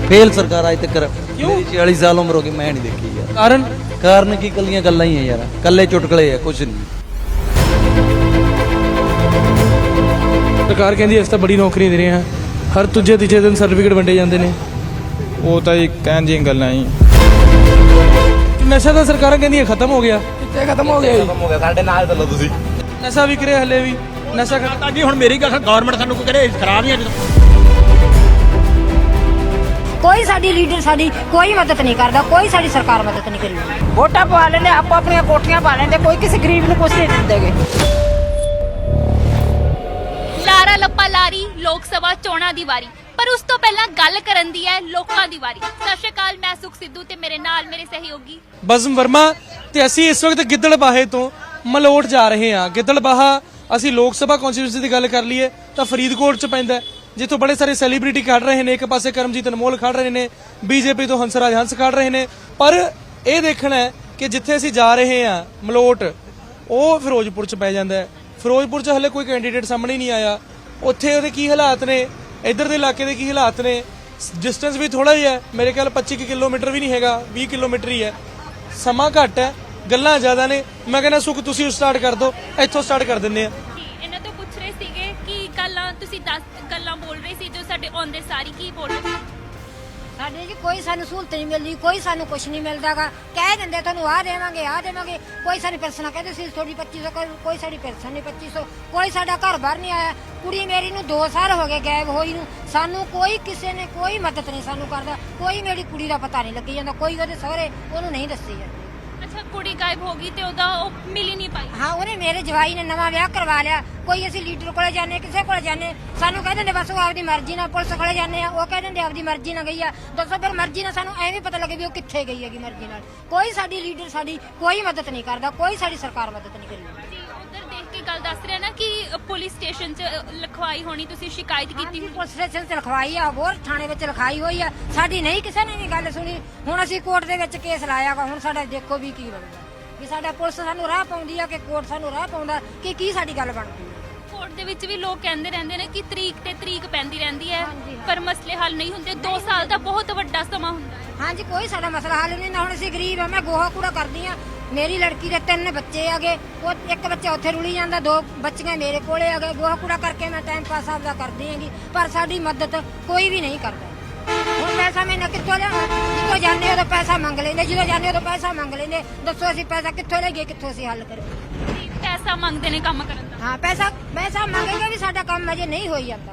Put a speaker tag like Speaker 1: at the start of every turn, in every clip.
Speaker 1: Fail सरकार आज तक। मेरी 40 साल उम्र हो गई, मैं नहीं देखी यार। कारण की कलियां गल्लां ही है यार, कल्ले चुटकले है, कुछ नहीं।
Speaker 2: ਸਰਕਾਰ ਕਹਿੰਦੀ ਅਸੀਂ ਤਾਂ ਬੜੀ ਨੌਕਰੀਆਂ ਦੇ ਰਹੇ ਹਾਂ, ਹਰ ਦੂਜੇ ਤੀਜੇ ਦਿਨ ਸਰਟੀਫਿਕੇਟ ਵੰਡੇ ਜਾਂਦੇ ਨੇ।
Speaker 3: ਉਹ ਤਾਂ ਜੀ ਕਹਿਣ ਦੀਆਂ ਗੱਲਾਂ ਹੀ।
Speaker 2: ਨਸ਼ਾ ਤਾਂ ਸਰਕਾਰਾਂ ਕਹਿੰਦੀਆਂ ਖਤਮ ਹੋ ਗਿਆ।
Speaker 4: ਕਿੱਥੇ ਖਤਮ ਹੋ ਗਿਆ ਜੀ?
Speaker 3: ਖਤਮ ਹੋ ਗਿਆ, ਸਾਡੇ ਨਾਲ ਚੱਲੋ ਤੁਸੀਂ।
Speaker 2: ਨਸ਼ਾ ਵਿਕ ਰਿਹਾ ਹਲੇ ਵੀ, ਨਸ਼ਾ
Speaker 5: ਤਾਂ ਜੀ ਹੁਣ ਮੇਰੀ ਗੱਲ, ਗਵਰਨਮੈਂਟ ਸਾਨੂੰ ਕੋਈ ਕਰੇ ਖਰਾਬ ਨਹੀਂ।
Speaker 6: ਕੋਈ ਸਾਡੀ ਲੀਡਰ ਸਾਡੀ ਕੋਈ ਮਦਦ ਨਹੀਂ ਕਰਦਾ, ਕੋਈ ਸਾਡੀ ਸਰਕਾਰ ਮਦਦ ਨਹੀਂ ਕਰੀ। ਵੋਟਾਂ ਪਵਾ ਲੈਂਦੇ, ਆਪੋ ਆਪਣੀਆਂ ਕੋਠੀਆਂ ਪਾ ਲੈਂਦੇ, ਕੋਈ ਕਿਸੇ ਗਰੀਬ ਨੂੰ ਕੁਛ ਨਹੀਂ ਦਿੰਦੇਗੇ।
Speaker 7: ਲਾਰਾ ਲੱਪਾ ਲਾਰੀ ਲੋਕ ਸਭਾ ਚੋਣਾਂ ਦੀ ਵਾਰੀ, ਪਰ ਉਸ ਤੋਂ ਪਹਿਲਾਂ ਗੱਲ ਕਰਨ ਦੀ ਹੈ ਲੋਕਾਂ ਦੀ ਵਾਰੀ। ਸਤਿ ਸ਼੍ਰੀ ਅਕਾਲ, ਮੈਂ ਸੁਖ ਸਿੱਧੂ ਤੇ ਮੇਰੇ ਨਾਲ ਮੇਰੇ ਸਹਿਯੋਗੀ
Speaker 2: ਬਜ਼ਮ ਵਰਮਾ ਤੇ ਅਸੀਂ ਇਸ ਵਕਤ ਗਿੱਦੜਬਾਹੇ ਤੋਂ ਮਲੋਟ ਜਾ ਰਹੇ ਹਾਂ। ਗਿੱਦੜਬਾਹਾ ਅਸੀਂ ਲੋਕ ਸਭਾ ਕੌਂਸਟੀਟਿਊਂਸੀ ਦੀ ਗੱਲ ਕਰ ਲਈਏ ਤਾਂ ਫਰੀਦਕੋਟ ਚ ਪੈਂਦਾ, ਜਿੱਥੋਂ ਬੜੇ ਸਾਰੇ ਸੈਲੀਬ੍ਰਿਟੀ ਖੜ ਰਹੇ ਨੇ। ਇੱਕ ਪਾਸੇ ਕਰਮਜੀਤ ਅਨਮੋਲ ਖੜ ਰਹੇ ਨੇ, ਬੀਜੇਪੀ ਤੋਂ ਹੰਸਰਾਜ ਹੰਸ ਖੜ ਰਹੇ ਨੇ। ਪਰ ਇਹ ਦੇਖਣਾ ਹੈ ਕਿ ਜਿੱਥੇ ਅਸੀਂ ਜਾ ਰਹੇ ਹਾਂ ਮਲੋਟ, ਉਹ ਫਿਰੋਜ਼ਪੁਰ ਚ ਪੈ ਜਾਂਦਾ ਹੈ। ਫਿਰੋਜ਼ਪੁਰ ਚ ਹਲੇ ਕੋਈ ਕੈਂਡੀਡੇਟ ਸਾਹਮਣੇ ਨਹੀਂ ਆਇਆ। ਉੱਥੇ ਉਹਦੇ ਕੀ ਹਾਲਾਤ ਨੇ, ਇੱਧਰ ਦੇ ਇਲਾਕੇ ਦੇ ਕੀ ਹਾਲਾਤ ਨੇ। ਡਿਸਟੈਂਸ ਵੀ ਥੋੜਾ ਜਿਹਾ ਹੈ, ਮੇਰੇ ਖਿਆਲ 25 ਕਿਲੋਮੀਟਰ ਵੀ ਨਹੀਂ ਹੈਗਾ, 20 ਕਿਲੋਮੀਟਰ ਹੀ ਹੈ। ਸਮਾਂ ਘੱਟ ਹੈ, ਗੱਲਾਂ ਜ਼ਿਆਦਾ ਨੇ। ਮੈਂ ਕਹਿੰਦਾ ਸੁਖ ਤੁਸੀਂ ਸਟਾਰਟ ਕਰ ਦਿਓ, ਇੱਥੋਂ ਸਟਾਰਟ ਕਰ ਦਿੰਦੇ ਆ।
Speaker 7: ਇਹਨਾਂ ਤੋਂ ਪੁੱਛ ਰਹੇ ਸੀਗੇ ਕਿ ਗੱਲਾਂ ਤੁਸੀਂ 10 ਗੱਲਾਂ ਬੋਲ ਰਹੇ ਸੀ ਜੋ ਸਾਡੇ ਆਉਂਦੇ ਸਾਰੀ ਕੀ ਬੋਲ ਰਹੇ ਸੀ।
Speaker 6: ਸਾਡੇ ਜੀ ਕੋਈ ਸਾਨੂੰ ਸਹੂਲਤ ਨਹੀਂ ਮਿਲਦੀ, ਕੋਈ ਸਾਨੂੰ ਕੁਝ ਨਹੀਂ ਮਿਲਦਾਗਾ। ਕਹਿ ਦਿੰਦੇ ਤੁਹਾਨੂੰ ਆਹ ਦੇਵਾਂਗੇ, ਆਹ ਦੇਵਾਂਗੇ। ਕੋਈ ਸਾਡੀ ਪੈਨਸ਼ਨ ਕਹਿੰਦੇ ਸੀ ਤੁਹਾਡੀ 2500, ਕੋਈ ਸਾਡੀ ਪੈਨਸ਼ਨ ਨਹੀਂ 2500। ਕੋਈ ਸਾਡਾ ਘਰ ਬਾਹਰ ਨਹੀਂ ਆਇਆ। ਕੁੜੀ ਮੇਰੀ ਨੂੰ 2 ਸਾਲ ਹੋ ਗਏ ਗਾਇਬ ਹੋਈ ਨੂੰ, ਸਾਨੂੰ ਕੋਈ ਕਿਸੇ ਨੇ ਕੋਈ ਮਦਦ ਨਹੀਂ ਸਾਨੂੰ ਕਰਦਾ। ਕੋਈ ਮੇਰੀ ਕੁੜੀ ਦਾ ਪਤਾ ਨਹੀਂ ਲੱਗੀ ਜਾਂਦਾ, ਕੋਈ ਉਹਦੇ ਸਹੁਰੇ ਉਹਨੂੰ ਨਹੀਂ ਦੱਸੀ ਜਾਂਦੀ।
Speaker 7: ਅੱਛਾ, ਕੁੜੀ ਗਾਇਬ ਹੋ ਗਈ ਤੇ ਉਹਦਾ ਉਹ ਮਿਲ ਹੀ ਨਹੀਂ ਪਾਈ।
Speaker 6: ਹਾਂ, ਉਹਨੇ ਮੇਰੇ ਜਵਾਈ ਨੇ ਨਵਾਂ ਵਿਆਹ ਕਰਵਾ ਲਿਆ। ਕੋਈ ਅਸੀਂ ਲੀਡਰ ਕੋਲੇ ਜਾਂਦੇ, ਕਿਸੇ ਕੋਲੇ ਜਾਂਦੇ, ਸਾਨੂੰ ਕਹਿ ਦਿੰਦੇ ਬਸ ਉਹ ਆਪਦੀ ਮਰਜ਼ੀ ਨਾਲ। ਪੁਲਿਸ ਕੋਲੇ ਜਾਂਦੇ ਆ, ਉਹ ਕਹਿ ਦਿੰਦੇ ਆਪਦੀ ਮਰਜ਼ੀ ਨਾਲ ਗਈ ਆ। ਦੱਸੋ ਫਿਰ ਮਰਜ਼ੀ ਨਾਲ ਸਾਨੂੰ ਐਵੇਂ ਪਤਾ ਲੱਗੇ ਵੀ ਉਹ ਕਿੱਥੇ ਗਈ ਹੈਗੀ ਮਰਜ਼ੀ ਨਾਲ। ਕੋਈ ਸਾਡੀ ਲੀਡਰ ਸਾਡੀ ਕੋਈ ਮਦਦ ਨਹੀਂ ਕਰਦਾ, ਕੋਈ ਸਾਡੀ ਸਰਕਾਰ ਮਦਦ ਨਹੀਂ ਕਰੀ।
Speaker 7: ਜੀ, ਉਧਰ ਦੇਖ ਕੇ ਗੱਲ ਦੱਸ ਰਿਹਾ ਨਾ ਕਿ ਪੁਲਿਸ ਸਟੇਸ਼ਨ 'ਚ ਲਿਖਵਾਈ ਹੋਣੀ, ਤੁਸੀਂ ਸ਼ਿਕਾਇਤ ਕੀਤੀ ਹੋਣੀ।
Speaker 6: ਪੁਲਿਸ ਸਟੇਸ਼ਨ 'ਚ ਲਿਖਵਾਈ ਆ, ਹੋਰ ਥਾਣੇ ਵਿੱਚ ਲਿਖਾਈ ਹੋਈ ਆ। ਸਾਡੀ ਨਹੀਂ ਕਿਸੇ ਨੇ ਵੀ ਗੱਲ ਸੁਣੀ। ਹੁਣ ਅਸੀਂ ਕੋਰਟ ਦੇ ਵਿੱਚ ਕੇਸ ਲਾਇਆ ਵਾ, ਹੁਣ ਸਾਡਾ ਦੇਖੋ ਵੀ ਕੀ ਬਣਦਾ। ਵੀ ਸਾਡਾ ਪੁਲਿਸ ਸਾਨੂੰ ਰਾਹ ਪਾਉਂਦੀ ਆ ਕਿ ਕੋਰਟ ਸਾਨੂੰ ਰਾਹ ਪਾਉਂਦਾ ਕਿ ਕੀ ਸਾਡੀ ਗੱਲ ਬਣਦੀ ਹੈ।
Speaker 7: ਕੋਰਟ ਦੇ ਵਿੱਚ ਵੀ ਲੋਕ ਕਹਿੰਦੇ ਰਹਿੰਦੇ ਨੇ ਕਿ ਤਰੀਕ ਤੇ ਤਰੀਕ ਪੈਂਦੀ ਰਹਿੰਦੀ ਹੈ, ਪਰ ਮਸਲੇ ਹੱਲ ਨਹੀਂ ਹੁੰਦੇ। 2 ਸਾਲ ਦਾ ਬਹੁਤ ਵੱਡਾ ਸਮਾਂ ਹੁੰਦਾ ਹੈ।
Speaker 6: ਹਾਂਜੀ, ਕੋਈ ਸਾਡਾ ਮਸਲਾ ਹੱਲ ਨਹੀਂ ਨਾ। ਹੁਣ ਅਸੀਂ ਗਰੀਬ ਆ, ਮੈਂ ਗੋਹਾ ਕੂੜਾ ਕਰਦੀ ਆ। ਮੇਰੀ ਲੜਕੀ ਦੇ 3 ਬੱਚੇ ਆਗੇ, ਉਹ ਇੱਕ ਬੱਚਾ ਉੱਥੇ ਰੁਲੀ ਜਾਂਦਾ, 2 ਬੱਚੀਆਂ ਮੇਰੇ ਕੋਲੇ ਆ ਗਏ। ਗੋਹਾ ਕੂੜਾ ਕਰਕੇ ਮੈਂ ਟਾਈਮ ਪਾਸ ਆਪਦਾ ਕਰਦੀ ਆਂਗੀ, ਪਰ ਸਾਡੀ ਮਦਦ ਕੋਈ ਵੀ ਨਹੀਂ ਕਰਦਾ। ਹੁਣ ਪੈਸਾ ਮੈਂ ਕਿੱਥੋਂ ਲਿਆਵਾਂ? ਜਿੱਥੋਂ ਜਾਂਦੇ ਉਦੋਂ ਪੈਸਾ ਮੰਗ ਲੈਂਦੇ, ਜਦੋਂ ਜਾਂਦੇ ਉਦੋਂ ਪੈਸਾ ਮੰਗ ਲੈਂਦੇ। ਦੱਸੋ ਅਸੀਂ ਪੈਸਾ ਕਿੱਥੋਂ ਲੈ ਗਏ, ਕਿੱਥੋਂ ਅਸੀਂ ਹੱਲ ਕਰੀਏ?
Speaker 7: ਪੈਸਾ ਮੰਗਦੇ ਨੇ ਕੰਮ ਕਰਨ ਦਾ।
Speaker 6: ਹਾਂ, ਪੈਸਾ ਮੰਗੇਗਾ ਵੀ ਸਾਡਾ ਕੰਮ ਅਜੇ ਨਹੀਂ ਹੋਈ ਜਾਂਦਾ।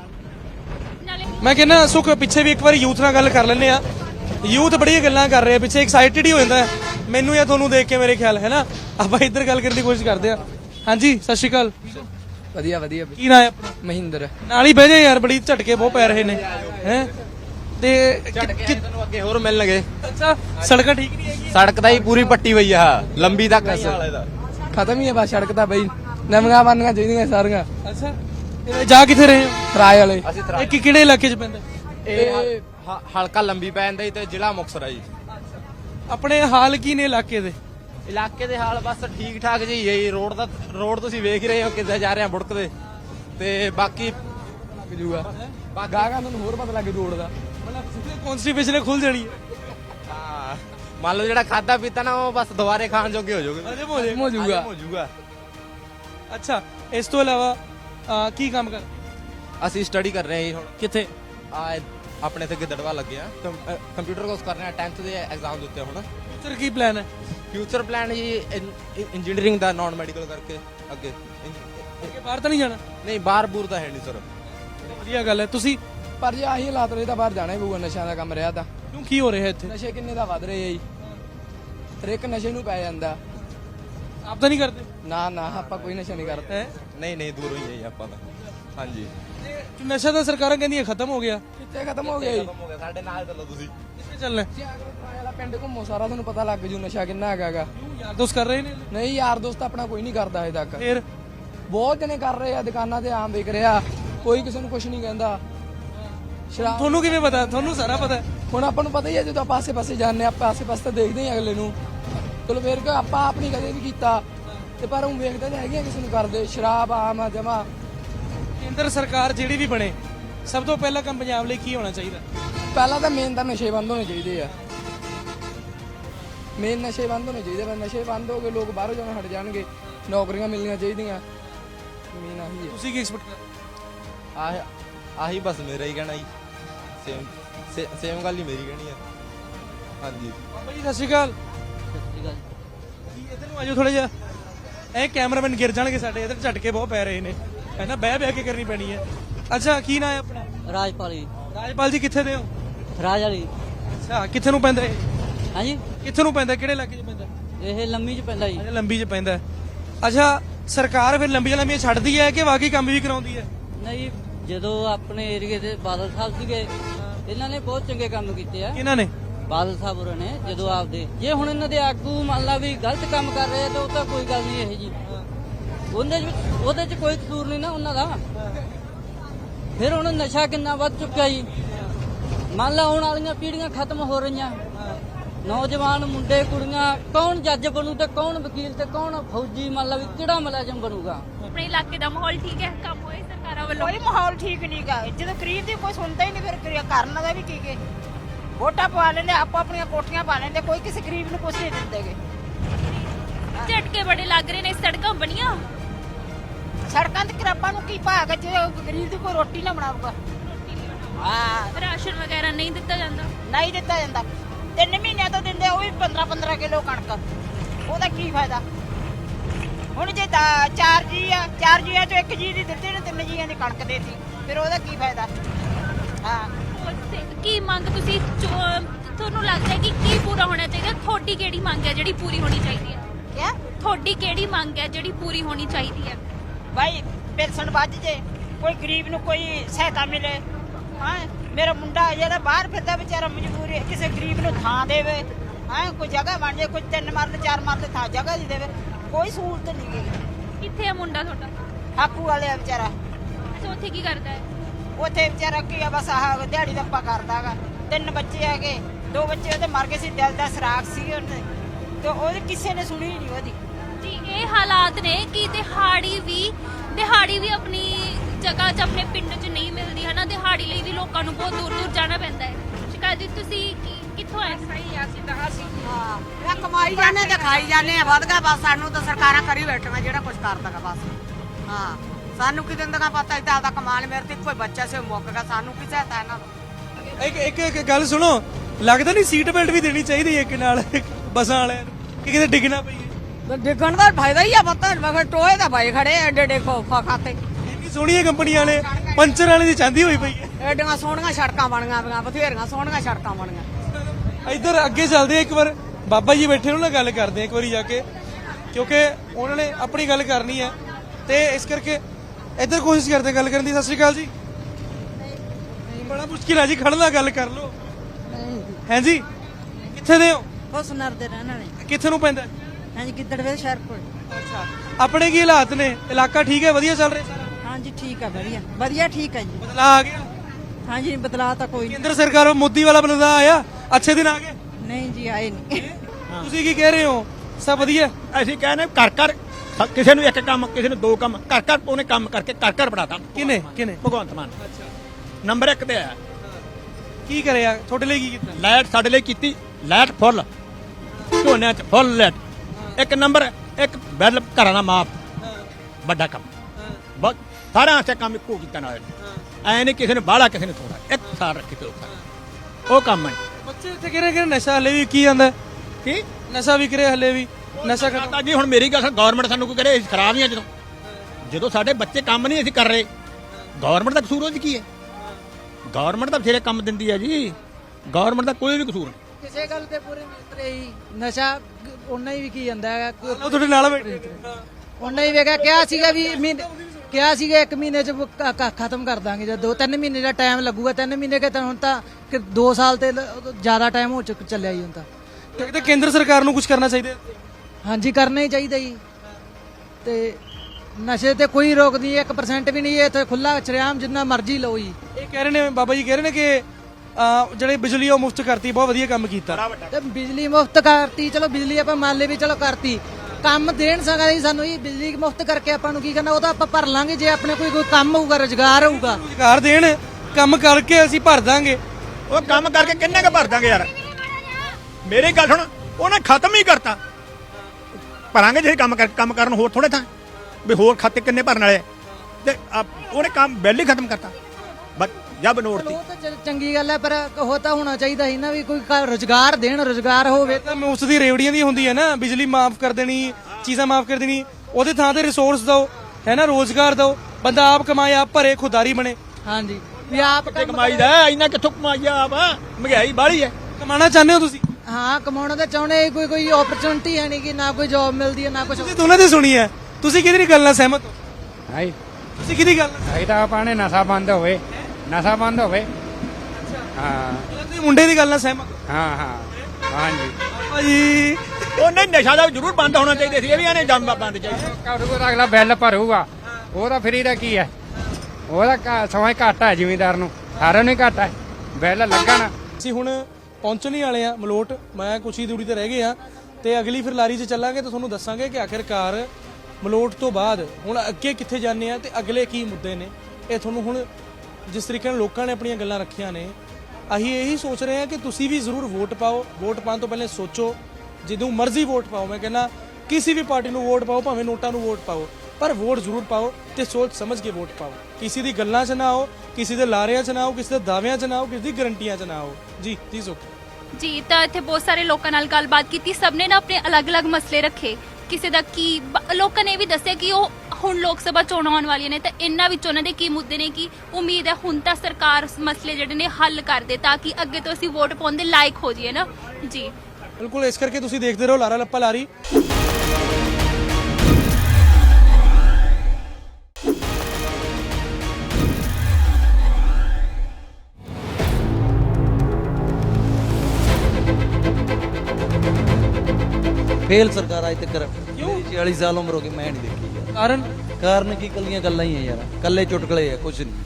Speaker 7: ਨਾਲੇ
Speaker 2: ਮੈਂ ਕਹਿੰਦਾ ਸੁਖ ਪਿੱਛੇ ਵੀ ਇੱਕ ਵਾਰੀ ਯੂਥ ਨਾਲ ਗੱਲ ਕਰ ਲੈਂਦੇ ਆ। ਯੂਥ ਬੜੀਆਂ ਗੱਲਾਂ ਕਰ ਰਹੇ ਆ, ਪਿੱਛੇ ਐਕਸਾਈਟਿਡ ਹੀ ਹੋ ਜਾਂਦਾ ਹੈ ਮੈਨੂੰ ਜਾਂ ਤੁਹਾਨੂੰ ਦੇਖ ਕੇ, ਮੇਰੇ ਖਿਆਲ ਹੈ ਨਾ। ਆਪਾਂ ਇੱਧਰ ਗੱਲ ਕਰਨ ਦੀ ਕੋਸ਼ਿਸ਼ ਕਰਦੇ ਆ। ਹਾਂਜੀ, ਸਤਿ ਸ਼੍ਰੀ ਅਕਾਲ।
Speaker 4: ਵਧੀਆ ਵਧੀਆ।
Speaker 2: ਕੀ ਨਾਂ ਹੈ ਆਪਣਾ?
Speaker 4: ਮਹਿੰਦਰ।
Speaker 2: ਨਾਲ ਹੀ ਬਹਿ ਜਾ ਯਾਰ, ਬੜੀ ਝਟਕੇ ਬਹੁਤ ਪੈ ਰਹੇ ਨੇ ਹੈ ਤੇ
Speaker 3: ਤੁਹਾਨੂੰ ਅੱਗੇ ਹੋਰ ਮਿਲਣਗੇ।
Speaker 2: ਅੱਛਾ, ਸੜਕਾਂ ਠੀਕ ਨਹੀਂ ਹੈਗੀ।
Speaker 3: ਸੜਕ ਤਾਂ ਹੀ ਪੂਰੀ ਪੱਟੀ ਹੋਈ ਆ, ਲੰਬੀ ਤੱਕ।
Speaker 4: ਖਤਮ ਹੀ ਆ ਬਸ ਸੜਕ ਤਾਂ ਬਈ, ਨਵੀਆਂ ਬਣਨੀਆਂ ਚਾਹੀਦੀਆਂ ਸਾਰੀਆਂ।
Speaker 2: ਅੱਛਾ, ਇਹ ਜਾ ਕਿੱਥੇ ਰਹੇ ਹੋ?
Speaker 4: ਕਿਰਾਏ ਵਾਲੇ।
Speaker 2: ਇਹ ਕਿਹੜੇ ਇਲਾਕੇ 'ਚ ਪੈਂਦਾ?
Speaker 3: ਇਹ ਹਲਕਾ ਲੰਬੀ ਪੈ ਜਾਂਦਾ ਜੀ ਤੇ ਜ਼ਿਲ੍ਹਾ ਮੁਕਤਸਰ ਆ ਜੀ।
Speaker 2: ਆਪਣੇ ਹਾਲ ਕੀ ਨੇ ਇਲਾਕੇ ਦੇ?
Speaker 3: ਇਲਾਕੇ ਦੇ ਹਾਲ ਬਸ ਠੀਕ ਠਾਕ ਜੀ ਹੈ। ਰੋਡ ਤੁਸੀਂ ਵੇਖ ਹੀ ਰਹੇ ਹੋ ਕਿੱਦਾਂ ਜਾ ਰਹੇ ਆ ਬੁੜਕਦੇ। ਤੇ ਬਾਕੀ
Speaker 4: ਲੱਗ ਜੂਗਾ ਗਾਹਕਾਂ ਨੂੰ ਹੋਰ ਪਤਾ ਲੱਗ ਰੋਡ ਦਾ।
Speaker 2: ਕੌਂਸਟੀਪੇਸ਼ਨ ਖੁੱਲ ਜਾਣੀ ਹੈ।
Speaker 3: ਹਾਂ, ਮੰਨ ਲਓ ਜਿਹੜਾ ਖਾਦਾ ਪੀਤਾ ਨਾ, ਉਹ ਬਸ ਦੁਬਾਰੇ ਖਾਣ ਜੋਗੇ ਹੋ ਜਾਓਗੇ।
Speaker 4: ਹੋ ਜਾਊਗਾ।
Speaker 3: ਹੋ ਜਾਊਗਾ।
Speaker 2: ਅੱਛਾ, ਇਸ ਤੋਂ ਇਲਾਵਾ ਕੀ ਕੰਮ ਕਰ?
Speaker 3: ਅਸੀਂ ਸਟੱਡੀ ਕਰ ਰਹੇ ਹਾਂ ਜੀ ਹੁਣ।
Speaker 2: ਕਿੱਥੇ?
Speaker 3: ਆਪਣੇ ਤੇ ਗਿੱਦੜਵਾ ਲੱਗੇ ਆ, ਕੰਪਿਊਟਰ ਕੋਰਸ ਕਰ ਰਹੇ ਆ। 10th ਦੇ ਐਗਜ਼ਾਮ ਦਿੱਤੇ ਹੁਣ।
Speaker 2: ਫਿਊਚਰ ਕੀ ਪਲਾਨ ਹੈ?
Speaker 3: ਫਿਊਚਰ ਪਲਾਨ ਜੀ ਇੰਜੀਨੀਅਰਿੰਗ ਦਾ, ਨਾਨ ਮੈਡੀਕਲ ਕਰਕੇ ਅੱਗੇ।
Speaker 2: ਬਾਹਰ ਤਾਂ ਨਹੀਂ ਜਾਣਾ?
Speaker 3: ਨਹੀਂ, ਬਾਹਰ ਬੂਰ ਤਾਂ ਹੈ ਨਹੀਂ ਸਰ।
Speaker 2: ਵਧੀਆ ਗੱਲ ਹੈ। ਤੁਸੀਂ?
Speaker 4: ਪਰ ਜੇ ਆਹੀ ਹਾਲਾਤ ਰਹੇ ਤਾਂ ਬਾਹਰ ਜਾਣਾ ਹੀ ਪਊਗਾ। ਨਸ਼ਿਆਂ ਦਾ ਕੰਮ ਰਿਹਾ ਤਾਂ।
Speaker 2: ਕਿਉਂ, ਕੀ ਹੋ ਰਿਹਾ ਇੱਥੇ?
Speaker 4: ਨਸ਼ੇ ਕਿੰਨੇ ਦਾ ਵੱਧ ਰਹੇ ਆ ਜੀ, ਹਰ ਇੱਕ ਨਸ਼ੇ ਨੂੰ ਪੈ ਜਾਂਦਾ।
Speaker 2: ਆਪ ਤਾਂ ਨਹੀਂ ਕਰਦੇ?
Speaker 4: ਨਾ ਨਾ, ਆਪਾਂ ਕੋਈ ਨਸ਼ਾ ਨਹੀਂ ਕਰਦੇ।
Speaker 2: ਹੈ
Speaker 3: ਨਹੀਂ ਦੂਰੋਂ ਹੀ ਹੈ ਜੀ ਆਪਾਂ ਤਾਂ। ਹਾਂਜੀ,
Speaker 2: ਨਸ਼ਾ ਤਾਂ ਸਰਕਾਰਾਂ ਕਹਿੰਦੀਆਂ ਖਤਮ ਹੋ ਗਿਆ।
Speaker 4: ਕਿੱਥੇ ਖਤਮ ਹੋ ਗਿਆ ਜੀ?
Speaker 3: ਖਤਮ ਹੋ ਗਿਆ, ਸਾਡੇ ਨਾਲ ਚੱਲੋ ਤੁਸੀਂ।
Speaker 2: ਕਿੱਥੇ ਚੱਲਣਾ?
Speaker 4: ਵਾਲਾ ਪਿੰਡ ਘੁੰਮੋ ਸਾਰਾ, ਤੁਹਾਨੂੰ ਪਤਾ ਲੱਗ ਜੂ ਨਸ਼ਾ ਕਿੰਨਾ ਹੈਗਾ।
Speaker 2: ਯਾਰ ਦੋਸਤ ਕਰ ਰਹੇ ਨੇ?
Speaker 4: ਨਹੀਂ, ਯਾਰ ਦੋਸਤ ਆਪਣਾ ਕੋਈ ਨਹੀਂ ਕਰਦਾ ਅਜੇ ਤੱਕ।
Speaker 2: ਫੇਰ
Speaker 4: ਬਹੁਤ ਜਣੇ ਕਰ ਰਹੇ ਆ, ਦੁਕਾਨਾਂ ਤੇ ਆਮ ਵਿਕ ਰਿਹਾ, ਕੋਈ ਕਿਸੇ ਨੂੰ ਕੁਝ ਨਹੀਂ ਕਹਿੰਦਾ। ਸ਼ਰਾਬ
Speaker 2: ਤੁਹਾਨੂੰ ਕਿਵੇਂ ਪਤਾ? ਤੁਹਾਨੂੰ ਸਾਰਾ ਪਤਾ ਹੈ।
Speaker 4: ਹੁਣ ਆਪਾਂ ਨੂੰ ਪਤਾ ਹੀ ਹੈ, ਜਦੋਂ ਆਪਾਂ ਆਸੇ-ਪਾਸੇ ਜਾਂਦੇ ਆ, ਆਪਾਂ ਆਸੇ-ਪਾਸੇ ਤਾਂ ਦੇਖਦੇ ਹੀ ਅਗਲੇ ਨੂੰ। ਚਲੋ ਫੇਰ ਕਿ ਆਪਾਂ ਆਪ ਨਹੀਂ ਕਦੇ ਵੀ ਕੀਤਾ, ਤੇ ਪਰ ਉਹ ਵੇਖਦੇ ਤਾਂ ਹੈਗੇ ਕਿਸੇ ਨੂੰ ਕਰਦੇ। ਸ਼ਰਾਬ ਆਮ ਆ ਜਮਾ।
Speaker 2: ਕੇਂਦਰ ਸਰਕਾਰ ਜਿਹੜੀ ਵੀ ਬਣੇ, ਸਭ ਤੋਂ ਪਹਿਲਾ ਕੰਮ ਪੰਜਾਬ ਲਈ ਕੀ ਹੋਣਾ ਚਾਹੀਦਾ?
Speaker 4: ਪਹਿਲਾਂ ਤਾਂ ਮੇਨ ਤਾਂ ਨਸ਼ੇ ਬੰਦ ਹੋਣੇ ਚਾਹੀਦੇ ਆ। ਮੇਨ ਨਸ਼ੇ ਬੰਦ ਹੋਣੇ ਚਾਹੀਦੇ ਆ। ਨਸ਼ੇ ਬੰਦ ਹੋ ਗਏ ਲੋਕ ਬਾਹਰੋਂ ਜਾਣਾ ਹਟ ਜਾਣਗੇ, ਨੌਕਰੀਆਂ ਮਿਲਣੀਆਂ ਚਾਹੀਦੀਆਂ। ਮੇਨ ਆਹੀ ਹੈ।
Speaker 2: ਤੁਸੀਂ ਕੀ ਐਕਸਪੈਕਟ ਕਰਦੇ
Speaker 3: ਆਹੀ ਬਸ ਮੇਰਾ ਹੀ ਕਹਿਣਾ ਜੀ। ਸੇਮ ਗੱਲ ਹੀ ਮੇਰੀ ਕਹਿਣੀ ਆ। ਹਾਂਜੀ
Speaker 2: ਬਾਬਾ ਜੀ ਸਤਿ ਸ਼੍ਰੀ ਅਕਾਲ। ਇੱਧਰ ਨੂੰ ਆਜੋ ਥੋੜਾ ਜਿਹਾ। ਇਹ ਕੈਮਰਾਮੈਨ ਗਿਰ ਜਾਣਗੇ ਸਾਡੇ, ਇੱਧਰ ਝਟਕੇ ਬਹੁਤ ਪੈ ਰਹੇ ਨੇ, ਹੈ ਨਾ, ਬਹਿ ਕੇ ਕਰਨੀ ਪੈਣੀ ਹੈ। ਅੱਛਾ ਕੀ ਨਾਂ ਹੈ ਆਪਣਾ?
Speaker 1: ਰਾਜਪਾਲ ਜੀ।
Speaker 2: ਰਾਜਪਾਲ ਜੀ ਕਿੱਥੇ ਦੇ ਹੋ?
Speaker 1: ਰਾਜ ਵਾਲੀ।
Speaker 2: ਅੱਛਾ ਕਿੱਥੇ ਨੂੰ ਪੈਂਦਾ ਇਹ?
Speaker 1: ਹਾਂਜੀ
Speaker 2: ਕਿੱਥੇ ਨੂੰ ਪੈਂਦਾ, ਕਿਹੜੇ ਇਲਾਕੇ 'ਚ ਪੈਂਦਾ?
Speaker 1: ਇਹ ਲੰਮੀ 'ਚ ਪੈਂਦਾ ਜੀ।
Speaker 2: ਅੱਛਾ ਲੰਬੀ 'ਚ ਪੈਂਦਾ। ਅੱਛਾ ਸਰਕਾਰ ਫਿਰ ਲੰਬੀਆਂ ਛੱਡਦੀ ਹੈ ਕਿ ਵਾਕਈ ਕੰਮ ਵੀ ਕਰਾਉਂਦੀ ਹੈ?
Speaker 1: ਨਹੀਂ, ਜਦੋਂ ਆਪਣੇ ਏਰੀਏ ਦੇ ਬਾਦਲ ਸਾਹਿਬ ਸੀਗੇ, ਇਹਨਾਂ ਨੇ ਬਹੁਤ ਚੰਗੇ ਕੰਮ ਕੀਤੇ ਆ।
Speaker 2: ਇਹਨਾਂ ਨੇ
Speaker 1: ਬਾਦਲ ਸਾਹਿਬ ਹੋਰਾਂ ਨੇ ਜਦੋਂ ਆਪਦੇ, ਜੇ ਹੁਣ ਇਹਨਾਂ ਦੇ ਆਗੂ ਮੰਨ ਲਾ ਵੀ ਗਲਤ ਕੰਮ ਕਰ ਰਹੇ ਆ ਤਾਂ ਉਹ ਤਾਂ ਕੋਈ ਗੱਲ ਨਹੀਂ ਇਹ ਜੀ, ਉਹਦੇ 'ਚ ਕੋਈ ਕਸੂਰ ਨਹੀਂ ਨਾ ਉਹਨਾਂ ਦਾ। ਫਿਰ ਹੁਣ ਨਸ਼ਾ ਕਿੰਨਾ ਵੱਧ ਚੁੱਕਿਆ ਜੀ। ਮੰਨ ਲਾ ਆਉਣ ਵਾਲੀਆਂ ਪੀੜ੍ਹੀਆਂ ਖਤਮ ਹੋ ਰਹੀਆਂ, ਨੌਜਵਾਨ ਮੁੰਡੇ ਕੁੜੀਆਂ, ਕੌਣ ਜੱਜ ਬਣੂ ਤੇ ਕੌਣ ਵਕੀਲ ਤੇ ਕੌਣ ਫੌਜੀ, ਮੰਨ ਲਾ ਵੀ ਕਿਹੜਾ ਮੁਲਾਜ਼ਮ ਬਣੂਗਾ।
Speaker 7: ਆਪਣੇ ਇਲਾਕੇ ਦਾ ਮਾਹੌਲ ਠੀਕ ਹੈ? ਕੰਮ ਹੋਏ ਸਰਕਾਰਾਂ ਵੱਲੋਂ?
Speaker 8: ਕੋਈ ਮਾਹੌਲ ਠੀਕ ਨਹੀਂ ਗਾ। ਜਦੋਂ ਗਰੀਬ ਦੀ ਕੋਈ ਸੁਣਦਾ ਹੀ ਨਹੀਂ, ਫਿਰ ਕਰਨ ਦਾ ਵੀ ਕੀ ਕੇ ਵੋਟਾਂ ਪਵਾ ਲੈਂਦੇ, ਆਪੋ ਆਪਣੀਆਂ ਕੋਠੀਆਂ ਪਾ ਲੈਂਦੇ, ਕੋਈ ਕਿਸੇ ਗਰੀਬ ਨੂੰ ਕੁਛ ਨਹੀਂ ਦਿੰਦੇਗੇ।
Speaker 7: ਝਟਕੇ ਬੜੇ ਲੱਗ ਰਹੇ ਨੇ। ਸੜਕਾਂ ਬਣੀਆਂ?
Speaker 8: ਸੜਕਾਂ ਤੇ ਕਿਰਾਪਾਂ ਨੂੰ ਕੀ ਭਾਗ ਹੈ ਜੇ ਗਰੀਬ ਦੀ ਕੋਈ ਰੋਟੀ ਨਾ ਬਣਾਊਗਾ। ਹਾਂ
Speaker 7: ਰਾਸ਼ਨ ਵਗੈਰਾ ਨਹੀਂ ਦਿੱਤਾ ਜਾਂਦਾ?
Speaker 8: ਨਹੀਂ ਦਿੱਤਾ ਜਾਂਦਾ। 3 ਮਹੀਨਿਆਂ ਤੋਂ ਦਿੰਦੇ, ਉਹ ਵੀ 15-15 ਕਿਲੋ ਕਣਕ। ਉਹਦਾ ਕੀ ਫਾਇਦਾ? ਹੁਣ ਜੇ 4 ਜੀਆਂ ਚੋਂ 1 ਜੀ ਦੀ ਦਿੱਤੀ ਨੇ, 3 ਜੀਆਂ ਦੀ ਕਣਕ ਦੇਤੀ, ਫਿਰ ਉਹਦਾ ਕੀ ਫਾਇਦਾ? ਹਾਂ
Speaker 7: ਕੀ ਮੰਗ ਤੁਸੀਂ ਤੁਹਾਨੂੰ ਲੱਗਦਾ ਹੈ ਕਿ ਕੀ ਪੂਰਾ ਹੋਣਾ ਚਾਹੀਦਾ? ਤੁਹਾਡੀ ਕਿਹੜੀ ਮੰਗ ਹੈ ਜਿਹੜੀ ਪੂਰੀ ਹੋਣੀ ਚਾਹੀਦੀ ਹੈ?
Speaker 8: ਕਿਆ
Speaker 7: ਤੁਹਾਡੀ ਕਿਹੜੀ ਮੰਗ ਹੈ ਜਿਹੜੀ ਪੂਰੀ ਹੋਣੀ ਚਾਹੀਦੀ ਹੈ?
Speaker 8: ਭਾਈ ਪੈਨਸ਼ਨ ਵੱਧ ਜੇ, ਕੋਈ ਗਰੀਬ ਨੂੰ ਕੋਈ ਸਹਾਇਤਾ ਮਿਲੇ। ਹਾਂ ਮੇਰਾ ਮੁੰਡਾ ਜਿਹੜਾ ਬਾਹਰ ਫਿਰਦਾ ਵਿਚਾਰਾ, ਮਜਬੂਰੀ ਕਿਸੇ ਗਰੀਬ ਨੂੰ ਥਾਂ ਦੇਵੇ। ਹਾਂ ਕੋਈ ਜਗ੍ਹਾ ਬਣ ਜੇ, ਕੋਈ 3 ਮਰਲੇ 4 ਮਰਲੇ ਥਾਂ ਜਗ੍ਹਾ ਦੀ ਦੇਵੇ। ਕੋਈ ਸਹੂਲਤ ਨਹੀਂ ਗਈ।
Speaker 7: ਕਿੱਥੇ ਹੈ ਮੁੰਡਾ ਤੁਹਾਡਾ?
Speaker 8: ਹਾਕੂ ਵਾਲੇ ਆ ਵਿਚਾਰਾ।
Speaker 7: ਅੱਛਾ ਉੱਥੇ ਕੀ ਕਰਦਾ ਹੈ?
Speaker 8: ਉੱਥੇ ਵਿਚਾਰਾ ਕੀ ਆ, ਬਸ ਆਹ ਦਿਹਾੜੀ ਦੱਪਾ ਕਰਦਾਗਾ। 3 ਬੱਚੇ ਹੈਗੇ, 2 ਬੱਚੇ ਉਹਦੇ ਮਰ ਗਏ ਸੀ, ਦਿਲ ਦਾ ਸਰਾਖ ਸੀ ਉਹਨੇ, ਤੇ ਉਹਦੀ ਕਿਸੇ ਨੇ ਸੁਣੀ ਨਹੀਂ ਉਹਦੀ।
Speaker 7: ਜੀ ਇਹ ਹਾਲਾਤ ਨੇ ਕਿ ਦਿਹਾੜੀ ਵੀ ਆਪਣੀ ਜਗ੍ਹਾ 'ਚ, ਆਪਣੇ ਪਿੰਡ 'ਚ ਨਹੀਂ ਮਿਲਦੀ ਹੈ ਨਾ। ਦਿਹਾੜੀ ਲਈ ਵੀ ਲੋਕਾਂ ਨੂੰ ਬਹੁਤ ਦੂਰ ਜਾਣਾ ਪੈਂਦਾ ਹੈ। ਸ਼ਿਕਾਇਤ ਜੀ ਤੁਸੀਂ ਕਿੱਥੋਂ ਆਏ? ਸਹੀ ਆ ਅਸੀਂ ਤਾਂ
Speaker 8: ਹਾਂ ਮੈਂ ਕਮਾਈ ਜਾਂਦੇ ਤੇ ਖਾਈ ਜਾਂਦੇ ਆ। ਵਧ ਗਿਆ ਬਸ, ਸਾਨੂੰ ਤਾਂ ਸਰਕਾਰਾਂ ਕਰੀ ਬੈਠੀਆਂ ਜਿਹੜਾ ਕੁਝ ਕਰਦਾਗਾ ਬਸ। ਹਾਂ ਸਾਨੂੰ ਕੀ ਦਿੰਦਾ ਪਤਾ, ਇਦਾਂ ਦਾ ਕਮਾਲ। ਮੇਰੇ ਤੇ ਕੋਈ ਬੱਚਾ ਸੀ ਮੁੱਕ ਗਿਆ, ਸਾਨੂੰ ਕੀ ਚਾਹਤਾ ਇਹਨਾਂ ਦਾ।
Speaker 2: ਇੱਕ ਗੱਲ ਸੁਣੋ, ਲੱਗਦਾ ਨਹੀਂ ਸੀਟ ਬੈਲਟ ਵੀ ਦੇਣੀ ਚਾਹੀਦੀ ਹੈ ਇੱਕ ਨਾਲ ਬੱਸਾਂ ਵਾਲਿਆਂ ਨੂੰ, ਕਿ ਕਿਤੇ ਡਿੱਗਣਾ ਪਈਏ?
Speaker 8: ਡਿੱਗਣ ਦਾ ਫਾਇਦਾ ਹੀ ਆ ਪਤਾ। ਮੈਂ ਟੋਏ ਦਾ ਬਾਈ ਖੜੇ ਐਡੇ ਖੋਫਾ ਖਾਤੇ।
Speaker 2: ਇੰਨੀ ਸੋਹਣੀਆਂ ਕੰਪਨੀਆਂ ਵਾਲੇ, ਪੰਚਰ ਵਾਲੇ ਦੀ ਚਾਂਦੀ ਹੋਈ ਪਈ ਹੈ।
Speaker 8: ਐਡੀਆਂ ਸੋਹਣੀਆਂ ਸੜਕਾਂ ਬਣੀਆਂ ਪਈਆਂ, ਬਥੇਰੀਆਂ ਸੋਹਣੀਆਂ ਸੜਕਾਂ ਬਣੀਆਂ।
Speaker 2: ਇੱਧਰ ਅੱਗੇ ਚੱਲਦੇ ਆ, ਇੱਕ ਵਾਰ ਬਾਬਾ ਜੀ ਬੈਠੇ ਉਹਨਾਂ ਨਾਲ ਗੱਲ ਕਰਦੇ ਆ ਇੱਕ ਵਾਰੀ ਜਾ ਕੇ, ਕਿਉਂਕਿ ਉਹਨਾਂ ਨੇ ਆਪਣੀ ਗੱਲ ਕਰਨੀ ਹੈ ਤੇ ਇਸ ਕਰਕੇ ਇੱਧਰ ਕੋਸ਼ਿਸ਼ ਕਰਦੇ ਗੱਲ ਕਰਨ ਦੀ। ਸਤਿ ਸ਼੍ਰੀ ਅਕਾਲ ਜੀ। ਬੜਾ ਮੁਸ਼ਕਿਲ ਹੈ ਜੀ, ਖੜਨਾ ਗੱਲ ਕਰ ਲਓ। ਹੈ ਜੀ, ਕਿੱਥੇ ਦੇ ਹੋ?
Speaker 9: ਹੁਸਨਰ ਦੇ ਰਹਿਣ ਵਾਲੇ।
Speaker 2: ਕਿੱਥੇ ਨੂੰ ਪੈਂਦਾ?
Speaker 9: ਹਾਂਜੀ ਗਿੱਦੜਵੇ ਸ਼ਹਿਰ ਕੋਲ।
Speaker 2: ਅੱਛਾ ਆਪਣੇ ਕੀ ਹਾਲਾਤ ਨੇ? ਇਲਾਕਾ ਠੀਕ ਹੈ? ਵਧੀਆ ਚੱਲ ਰਿਹਾ ਸਾਰਾ?
Speaker 9: ਹਾਂਜੀ ਠੀਕ ਆ, ਵਧੀਆ ਠੀਕ ਆ ਜੀ।
Speaker 2: ਬਦਲਾਅ ਆ ਗਿਆ?
Speaker 9: ਹਾਂਜੀ ਬਦਲਾਅ ਤਾਂ ਕੋਈ
Speaker 2: ਕੇਂਦਰ ਸਰਕਾਰ ਵੱਲੋਂ ਮੋਦੀ ਵਾਲਾ ਬਦਲਾਅ ਆਇਆ? ਅੱਛੇ ਦਿਨ ਆ ਗਏ?
Speaker 9: ਨਹੀਂ ਜੀ, ਆਏ ਨਹੀਂ।
Speaker 2: ਤੁਸੀਂ ਕੀ ਕਹਿ ਰਹੇ ਹੋ? ਸਭ ਵਧੀਆ?
Speaker 5: ਅਸੀਂ ਕਹਿੰਦੇ ਘਰ ਕਿਸੇ ਨੂੰ 1 ਕੰਮ, ਕਿਸੇ ਨੂੰ 2 ਕੰਮ, ਘਰ ਉਹਨੇ ਕੰਮ ਕਰਕੇ ਘਰ ਬਣਾਤਾ।
Speaker 2: ਕਿਨੇ
Speaker 5: ਭਗਵੰਤ ਮਾਨ ਨੰਬਰ 1 ਤੇ ਆਇਆ।
Speaker 2: ਕੀ ਕਰਿਆ ਤੁਹਾਡੇ ਲਈ? ਕੀ ਕੀਤਾ?
Speaker 5: ਲਾਈਟ ਸਾਡੇ ਲਈ ਕੀਤੀ, ਲਾਈਟ ਫੁੱਲ, ਝੋਨਿਆਂ 'ਚ ਫੁੱਲ ਲਾਈਟ। 1 ਨੰਬਰ, 1 ਬਿੱਲ ਘਰਾਂ ਦਾ ਮਾਫ, ਵੱਡਾ ਕੰਮ। ਬਹੁਤ ਸਾਰਾ ਆਸੇ ਕੰਮ ਇੱਕੋ ਕੀਤਾ ਨਾਲ। ਐ ਨਹੀਂ ਕਿਸੇ ਨੇ ਬਾਹਲਾ, ਕਿਸੇ ਨੇ ਥੋੜਾ, 1 ਸਾਲ ਰੱਖੀ ਤੇ ਉਹ ਕੰਮ ਹੈ।
Speaker 2: ਬੱਚੇ ਇੱਥੇ ਕਹਿ ਰਹੇ ਨਸ਼ਾ ਹਲੇ ਵੀ ਕੀ ਜਾਂਦਾ?
Speaker 5: ਕੀ
Speaker 2: ਨਸ਼ਾ ਵਿਕ ਰਿਹਾ ਹਲੇ ਵੀ? ਨਸ਼ਾ
Speaker 5: ਕਰਦਾ ਜੀ। ਹੁਣ ਮੇਰੀ ਗੱਲ, ਗਵਰਨਮੈਂਟ ਸਾਨੂੰ ਕੋਈ ਕਰੇ ਖਰਾਬ ਹੀ ਆ। ਜਦੋਂ ਸਾਡੇ ਬੱਚੇ ਕੰਮ ਨਹੀਂ ਅਸੀਂ ਕਰ ਰਹੇ, ਗਵਰਨਮੈਂਟ ਦਾ ਕਸੂਰ ਉਹਦੇ ਕੀ ਹੈ? ਗਵਰਨਮੈਂਟ ਤਾਂ ਬਥੇਰੇ ਕੰਮ ਦਿੰਦੀ ਹੈ ਜੀ, ਗਵਰਨਮੈਂਟ ਦਾ ਕੋਈ ਵੀ ਕਸੂਰ ਨਹੀਂ।
Speaker 9: ਕਿਸੇ ਗੱਲ ਤੇ ਪੂਰੇ ਮਿੱਤਰੇ ਹੀ ਨਸ਼ਾ ਉਹਨਾਂ ਹੀ ਵਿਕੀ ਜਾਂਦਾ ਹੈਗਾ।
Speaker 2: ਤੁਹਾਡੇ ਨਾਲ ਬੈਠੇ
Speaker 9: ਉਹਨਾਂ ਹੀ ਵੇਖਿਆ, ਕਿਹਾ ਸੀਗਾ ਵੀ ਕਿਹਾ ਸੀਗਾ 1 ਮਹੀਨੇ ਚ ਖਤਮ ਕਰ ਦਾਂਗੇ, ਜਦ 2-3 ਮਹੀਨੇ ਦਾ ਟਾਈਮ ਲੱਗੂਗਾ। 3 ਮਹੀਨੇ ਕੇ ਤਾਂ ਹੁਣ ਤਾਂ 2 ਸਾਲ ਤੇ ਜ਼ਿਆਦਾ ਟਾਈਮ ਹੋ ਚੱਲਿਆ ਜੀ ਹੁਣ ਤਾਂ।
Speaker 2: ਤੇ ਕੇਂਦਰ ਸਰਕਾਰ ਨੂੰ ਕੁਝ ਕਰਨਾ ਚਾਹੀਦਾ?
Speaker 9: ਹਾਂਜੀ ਕਰਨਾ ਹੀ ਚਾਹੀਦਾ ਜੀ। ਤੇ ਨਸ਼ੇ ਤੇ ਕੋਈ ਰੋਕ ਨਹੀਂ, 1% ਵੀ ਨਹੀਂ। ਇੱਥੇ ਖੁੱਲਾ ਚਰਿਆਮ ਜਿੰਨਾ ਮਰਜ਼ੀ ਲਓ ਜੀ।
Speaker 2: ਇਹ ਕਹਿ ਰਹੇ ਨੇ ਬਾਬਾ ਜੀ, ਕਹਿ ਰਹੇ ਨੇ ਕਿ ਜਿਹੜੇ ਬਿਜਲੀ ਉਹ ਮੁਫਤ ਕਰਤੀ, ਬਹੁਤ ਵਧੀਆ ਕੰਮ ਕੀਤਾ।
Speaker 9: ਤੇ ਬਿਜਲੀ ਮੁਫਤ ਕਰਤੀ, ਚਲੋ ਬਿਜਲੀ ਆਪਾਂ ਮੰਨ ਲਈ ਵੀ ਚਲੋ ਕਰਤੀ, ਕੰਮ ਦੇਣ ਸਕਦਾ ਜੀ ਸਾਨੂੰ। ਇਹ ਬਿਜਲੀ ਮੁਫਤ ਕਰਕੇ ਆਪਾਂ ਨੂੰ ਕੀ ਕਰਨਾ? ਉਹ ਤਾਂ ਆਪਾਂ ਭਰ ਲਾਂਗੇ ਜੇ ਆਪਣੇ ਕੋਈ ਕੰਮ ਹੋਊਗਾ, ਰੁਜ਼ਗਾਰ ਹੋਊਗਾ।
Speaker 2: ਰੁਜ਼ਗਾਰ ਦੇਣ, ਕੰਮ ਕਰਕੇ ਅਸੀਂ ਭਰ ਦਾਂਗੇ।
Speaker 5: ਉਹ ਕੰਮ ਕਰਕੇ ਕਿੰਨੇ ਕ ਭਰ ਦਾਂਗੇ ਯਾਰ ਮੇਰੀ ਗੱਲ ਸੁਣ ਉਹਨੇ ਖਤਮ ਹੀ ਕਰਤਾ ਭਰਾਂਗੇ ਜੇ ਕੰਮ ਕਰਨ ਹੋਰ ਥੋੜੇ ਥਾਂ ਵੀ ਹੋਰ ਖਾਤੇ ਕਿੰਨੇ ਭਰਨ ਵਾਲੇ ਤੇ ਉਹਨੇ ਕੰਮ ਬਿੱਲ ਹੀ ਖਤਮ ਕਰਤਾ ਬਸ ਜਬ ਨੋਟਤੀ
Speaker 9: ਉਹ ਤਾਂ ਚੰਗੀ ਗੱਲ ਹੈ ਪਰ ਉਹ ਤਾਂ ਹੋਣਾ ਚਾਹੀਦਾ ਸੀ ਨਾ ਵੀ ਕੋਈ ਰੋਜ਼ਗਾਰ ਦੇਣ ਰੋਜ਼ਗਾਰ ਹੋਵੇ
Speaker 2: ਤਾਂ ਮੁਫਤ ਦੀ ਰੇਵੜੀਆਂ ਦੀ ਹੁੰਦੀ ਹੈ ਨਾ ਬਿਜਲੀ ਮਾਫ ਕਰ ਦੇਣੀ ਚੀਜ਼ਾਂ ਮਾਫ ਕਰ ਦੇਣੀ ਉਹਦੇ ਥਾਂ ਤੇ ਰਿਸੋਰਸ ਦਿਓ ਹੈ ਨਾ ਰੋਜ਼ਗਾਰ ਦਿਓ ਬੰਦਾ ਆਪ ਕਮਾਏ ਆਪ ਭਰੇ ਖੁਦਾਰੀ ਬਣੇ
Speaker 9: ਹਾਂਜੀ ਵੀ ਆਪ
Speaker 5: ਕਿੱਥੇ ਕਮਾਈ ਦਾ ਇੰਨਾ ਕਿੱਥੋਂ ਕਮਾਈ ਆ ਆਪ ਮਹਿੰਗਾਈ ਬਾਹਲੀ ਹੈ
Speaker 2: ਕਮਾਣਾ ਚਾਹੁੰਦੇ ਹੋ ਤੁਸੀਂ
Speaker 9: ਹਾਂ ਕਮਾਉਣਾ ਤਾਂ ਚਾਹੁੰਦੇ ਕੋਈ ਓਪਰਚੁਨਿਟੀ ਹੈ ਨਹੀਂ ਕਿ ਨਾ ਕੋਈ ਜੌਬ ਮਿਲਦੀ ਹੈ ਨਾ ਕੁਝ
Speaker 2: ਤੁਸੀਂ ਦੋਨਾਂ ਦੀ ਸੁਣੀ ਹੈ ਤੁਸੀਂ ਕਿਹਦੀ ਗੱਲ ਨਾਲ ਸਹਿਮਤ ਹੋ
Speaker 10: ਹਾਈ
Speaker 2: ਤੁਸੀਂ ਕਿਹਦੀ ਗੱਲ
Speaker 10: ਅਸੀਂ ਤਾਂ ਆਪਾਂ ਨੇ ਨਸ਼ਾ ਬੰਦ ਹੋਵੇ ਹਾਂ
Speaker 2: ਤੁਸੀਂ ਮੁੰਡੇ ਦੀ ਗੱਲ ਨਾਲ ਸਹਿਮਤ ਹੋ
Speaker 10: ਹਾਂ ਹਾਂ ਹਾਂਜੀ
Speaker 2: ਭਾਜੀ
Speaker 5: ਉਹਨੇ ਨਸ਼ਾ ਦਾ ਜ਼ਰੂਰ ਬੰਦ ਹੋਣਾ ਚਾਹੀਦਾ ਸੀ ਇਹ ਵੀ ਇਹਨੇ ਜੰਮ ਬੰਦ ਚਾਹੀਦਾ
Speaker 10: ਕਾਹਦੇ ਕੋਲ ਅਗਲਾ ਬਿੱਲ ਭਰੂਗਾ ਉਹਦਾ ਫਰੀ ਦਾ ਕੀ ਹੈ ਉਹਦਾ ਸਮਾਂ ਘੱਟ ਹੈ ਜ਼ਿਮੀਂਦਾਰ ਨੂੰ ਸਾਰਿਆਂ ਨੂੰ ਘੱਟ ਹੈ ਬਿੱਲ ਲੱਗਣ
Speaker 2: ਅਸੀਂ ਹੁਣ ਪਹੁੰਚਣ ਹੀ ਵਾਲੇ ਆ ਮਲੋਟ ਮੈਂ ਕੁਛ ਹੀ ਦੂਰੀ ਤੇ ਰਹਿ ਗਏ ਆ ਤੇ ਅਗਲੀ ਫਿਰ ਲਾਰੀ 'ਚ ਚੱਲਾਂਗੇ ਤਾਂ ਤੁਹਾਨੂੰ ਦੱਸਾਂਗੇ ਕਿ ਆਖਿਰਕਾਰ ਮਲੋਟ ਤੋਂ ਬਾਅਦ ਹੁਣ ਅੱਗੇ ਕਿੱਥੇ ਜਾਂਦੇ ਆ ਤੇ ਅਗਲੇ ਕੀ ਮੁੱਦੇ ਨੇ ਇਹ ਤੁਹਾਨੂੰ ਹੁਣ ਜਿਸ ਤਰੀਕੇ ਨਾਲ ਲੋਕਾਂ ਨੇ ਆਪਣੀਆਂ ਗੱਲਾਂ ਰੱਖੀਆਂ ਨੇ ਅਸੀਂ ਇਹੀ ਸੋਚ ਰਹੇ ਹਾਂ ਕਿ ਤੁਸੀਂ ਵੀ ਜ਼ਰੂਰ ਵੋਟ ਪਾਓ ਵੋਟ ਪਾਉਣ ਤੋਂ ਪਹਿਲੇ ਸੋਚੋ ਜਦੋਂ ਮਰਜ਼ੀ ਵੋਟ ਪਾਓ ਮੈਂ ਕਹਿੰਦਾ ਕਿਸੇ ਵੀ ਪਾਰਟੀ ਨੂੰ ਵੋਟ ਪਾਓ ਭਾਵੇਂ ਨੋਟਾਂ ਨੂੰ ਵੋਟ ਪਾਓ ਪਰ ਵੋਟ ਜ਼ਰੂਰ ਪਾਓ ਤੇ ਸੋਚ ਸਮਝ ਕੇ ਵੋਟ ਪਾਓ ਕਿਸੇ ਦੀ ਗੱਲਾਂ 'ਚ ਨਾ ਆਓ ਕਿਸੇ ਦੇ ਲਾਰਿਆਂ 'ਚ ਨਾ ਆਓ ਕਿਸੇ ਦੇ ਦਾਅਵਿਆਂ 'ਚ ਨਾ ਆਓ ਕਿਸੇ ਦੀ ਗਰੰਟੀਆਂ 'ਚ ਨਾ ਆਓ ਜੀ ਸੁਖ
Speaker 7: ਜੀ ਤਾਂ ਇੱਥੇ ਬਹੁਤ ਸਾਰੇ ਲੋਕਾਂ ਨਾਲ ਗੱਲਬਾਤ ਕੀਤੀ ਸਭ ਨੇ ਨਾ ਆਪਣੇ ਅਲੱਗ-ਅਲੱਗ ਮਸਲੇ ਰੱਖੇ ਕਿਸੇ ਦਾ ਕੀ ਲੋਕਾਂ ਨੇ ਵੀ ਦੱਸਿਆ ਕਿ ਉਹ ਹੁਣ ਲੋਕ ਸਭਾ ਚੋਣਾਂ ਆਉਣ ਵਾਲੀਆਂ ਨੇ ਤਾਂ ਇਹਨਾਂ ਵਿੱਚ ਉਹਨਾਂ ਦੇ ਕੀ ਮੁੱਦੇ ਨੇ ਕਿ ਉਮੀਦ ਹੈ ਹੁਣ ਤਾਂ ਸਰਕਾਰ ਮਸਲੇ ਜਿਹੜੇ ਨੇ ਹੱਲ ਕਰ ਦੇ ਤਾਂ ਕਿ ਅੱਗੇ ਤੋਂ ਅਸੀਂ ਵੋਟ ਪਾਉਣ ਦੇ ਲਾਇਕ ਹੋ ਜਾਈਏ ਨਾ ਜੀ
Speaker 2: ਬਿਲਕੁਲ ਇਸ ਕਰਕੇ ਤੁਸੀਂ ਦੇਖਦੇ ਰਹੋ ਲਾਰਾ ਲੱਪਾ ਲਾਰੀ
Speaker 1: ਫੇਲ ਸਰਕਾਰ ਅੱਜ ਤੱਕ ਮੇਰੀ 40 ਸਾਲ ਉਮਰ ਹੋ ਗਈ ਮੈਂ ਨਹੀਂ ਦੇਖੀ ਯਾਰ ਕਾਰਨ ਕੀ ਕੱਲੀਆਂ ਗੱਲਾਂ ਹੀ ਆ ਯਾਰ ਕੱਲੇ ਚੁਟਕਲੇ ਆ ਕੁਝ ਨਹੀਂ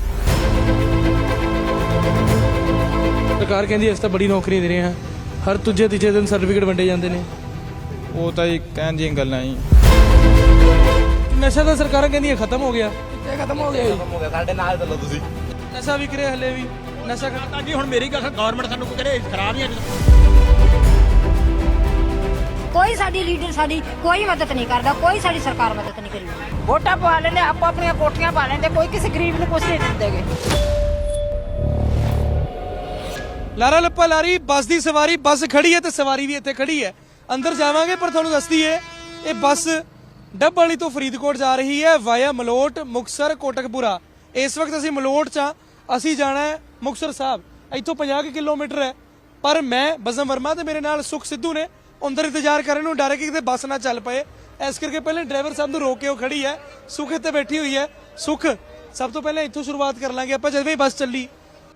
Speaker 2: ਸਰਕਾਰ ਕਹਿੰਦੀ ਅਸੀਂ ਤਾਂ ਬੜੀ ਨੌਕਰੀਆਂ ਦੇ ਰਹੇ ਹਾਂ ਹਰ ਦੂਜੇ ਤੀਜੇ ਦਿਨ ਸਰਟੀਫਿਕੇਟ ਵੰਡੇ ਜਾਂਦੇ ਨੇ
Speaker 3: ਉਹ ਤਾਂ ਜੀ ਕਹਿਣ ਦੀਆਂ ਗੱਲਾਂ ਹੀ
Speaker 2: ਨਸ਼ਾ ਤਾਂ ਸਰਕਾਰਾਂ ਕਹਿੰਦੀਆਂ ਖਤਮ ਹੋ ਗਿਆ
Speaker 4: ਕਿੱਥੇ ਖਤਮ ਹੋ ਗਿਆ ਜੀ
Speaker 3: ਸਾਡੇ ਨਾਲ ਚੱਲੋ ਤੁਸੀਂ
Speaker 2: ਨਸ਼ਾ ਵਿਕ ਰਿਹਾ ਹਲੇ ਵੀ ਨਸ਼ਾ
Speaker 5: ਤਾਂ ਜੀ ਹੁਣ ਮੇਰੀ ਗੱਲ ਗਵਰਨਮੈਂਟ ਸਾਨੂੰ ਕੋਈ ਕਰੇ ਖਰਾਬ ਹੀ
Speaker 6: ਕੋਈ ਸਾਡੀ ਲੀਡਰ ਸਾਡੀ ਕੋਈ ਮਦਦ ਨਹੀਂ ਕਰਦਾ ਕੋਈ ਸਾਡੀ ਸਰਕਾਰ ਮਦਦ ਨਹੀਂ ਕਰੀ
Speaker 8: ਵੋਟਾਂ ਪਵਾ ਲੈਂਦੇ ਆਪੋ ਆਪਣੀਆਂ ਕੋਠੀਆਂ ਪਾ ਲੈਂਦੇ ਕੋਈ ਕਿਸੇ ਗਰੀਬ ਨੂੰ ਕੁਝ ਨਹੀਂ ਦਿੰਦੇਗੇ
Speaker 2: ਲਾਰਾ ਲੱਪਾ ਲਾਰੀ ਬੱਸ ਦੀ ਸਵਾਰੀ ਬੱਸ ਖੜੀ ਹੈ ਤੇ ਸਵਾਰੀ ਵੀ ਇੱਥੇ ਖੜੀ ਹੈ ਅੰਦਰ ਜਾਵਾਂਗੇ ਪਰ ਤੁਹਾਨੂੰ ਦੱਸਦੀ ਏ ਇਹ ਬੱਸ ਡੱਬ ਵਾਲੀ ਤੋਂ ਫਰੀਦਕੋਟ ਜਾ ਰਹੀ ਹੈ ਵਾਇਆ ਮਲੋਟ ਮੁਕਤਸਰ ਕੋਟਕਪੂਰਾ ਇਸ ਵਕਤ ਅਸੀਂ ਮਲੋਟ 'ਚ ਅਸੀਂ ਜਾਣਾ ਹੈ ਮੁਕਤਸਰ ਸਾਹਿਬ ਇੱਥੋਂ 50 ਕਿਲੋਮੀਟਰ ਹੈ ਪਰ ਮੈਂ ਬਜ਼ਮ ਵਰਮਾ ਤੇ ਮੇਰੇ ਨਾਲ ਸੁਖ ਸਿੱਧੂ ਨੇ ਅੰਦਰ ਇੰਤਜ਼ਾਰ ਕਰਨ ਨੂੰ ਡਰ ਕੇ ਕਿਤੇ ਬੱਸ ਨਾ ਚੱਲ ਪਏ ਇਸ ਕਰਕੇ ਪਹਿਲੇ ਡਰਾਈਵਰ ਸਾਹਿਬ ਨੂੰ ਰੋਕ ਕੇ ਉਹ ਖੜੀ ਹੈ ਸੁਖ ਇੱਥੇ ਬੈਠੀ ਹੋਈ ਹੈ ਸੁਖ ਸਭ ਤੋਂ ਪਹਿਲਾਂ ਇੱਥੋਂ ਸ਼ੁਰੂਆਤ ਕਰ ਲਾਂਗੇ ਆਪਾਂ ਜਦੋਂ ਵੀ ਬੱਸ ਚੱਲੀ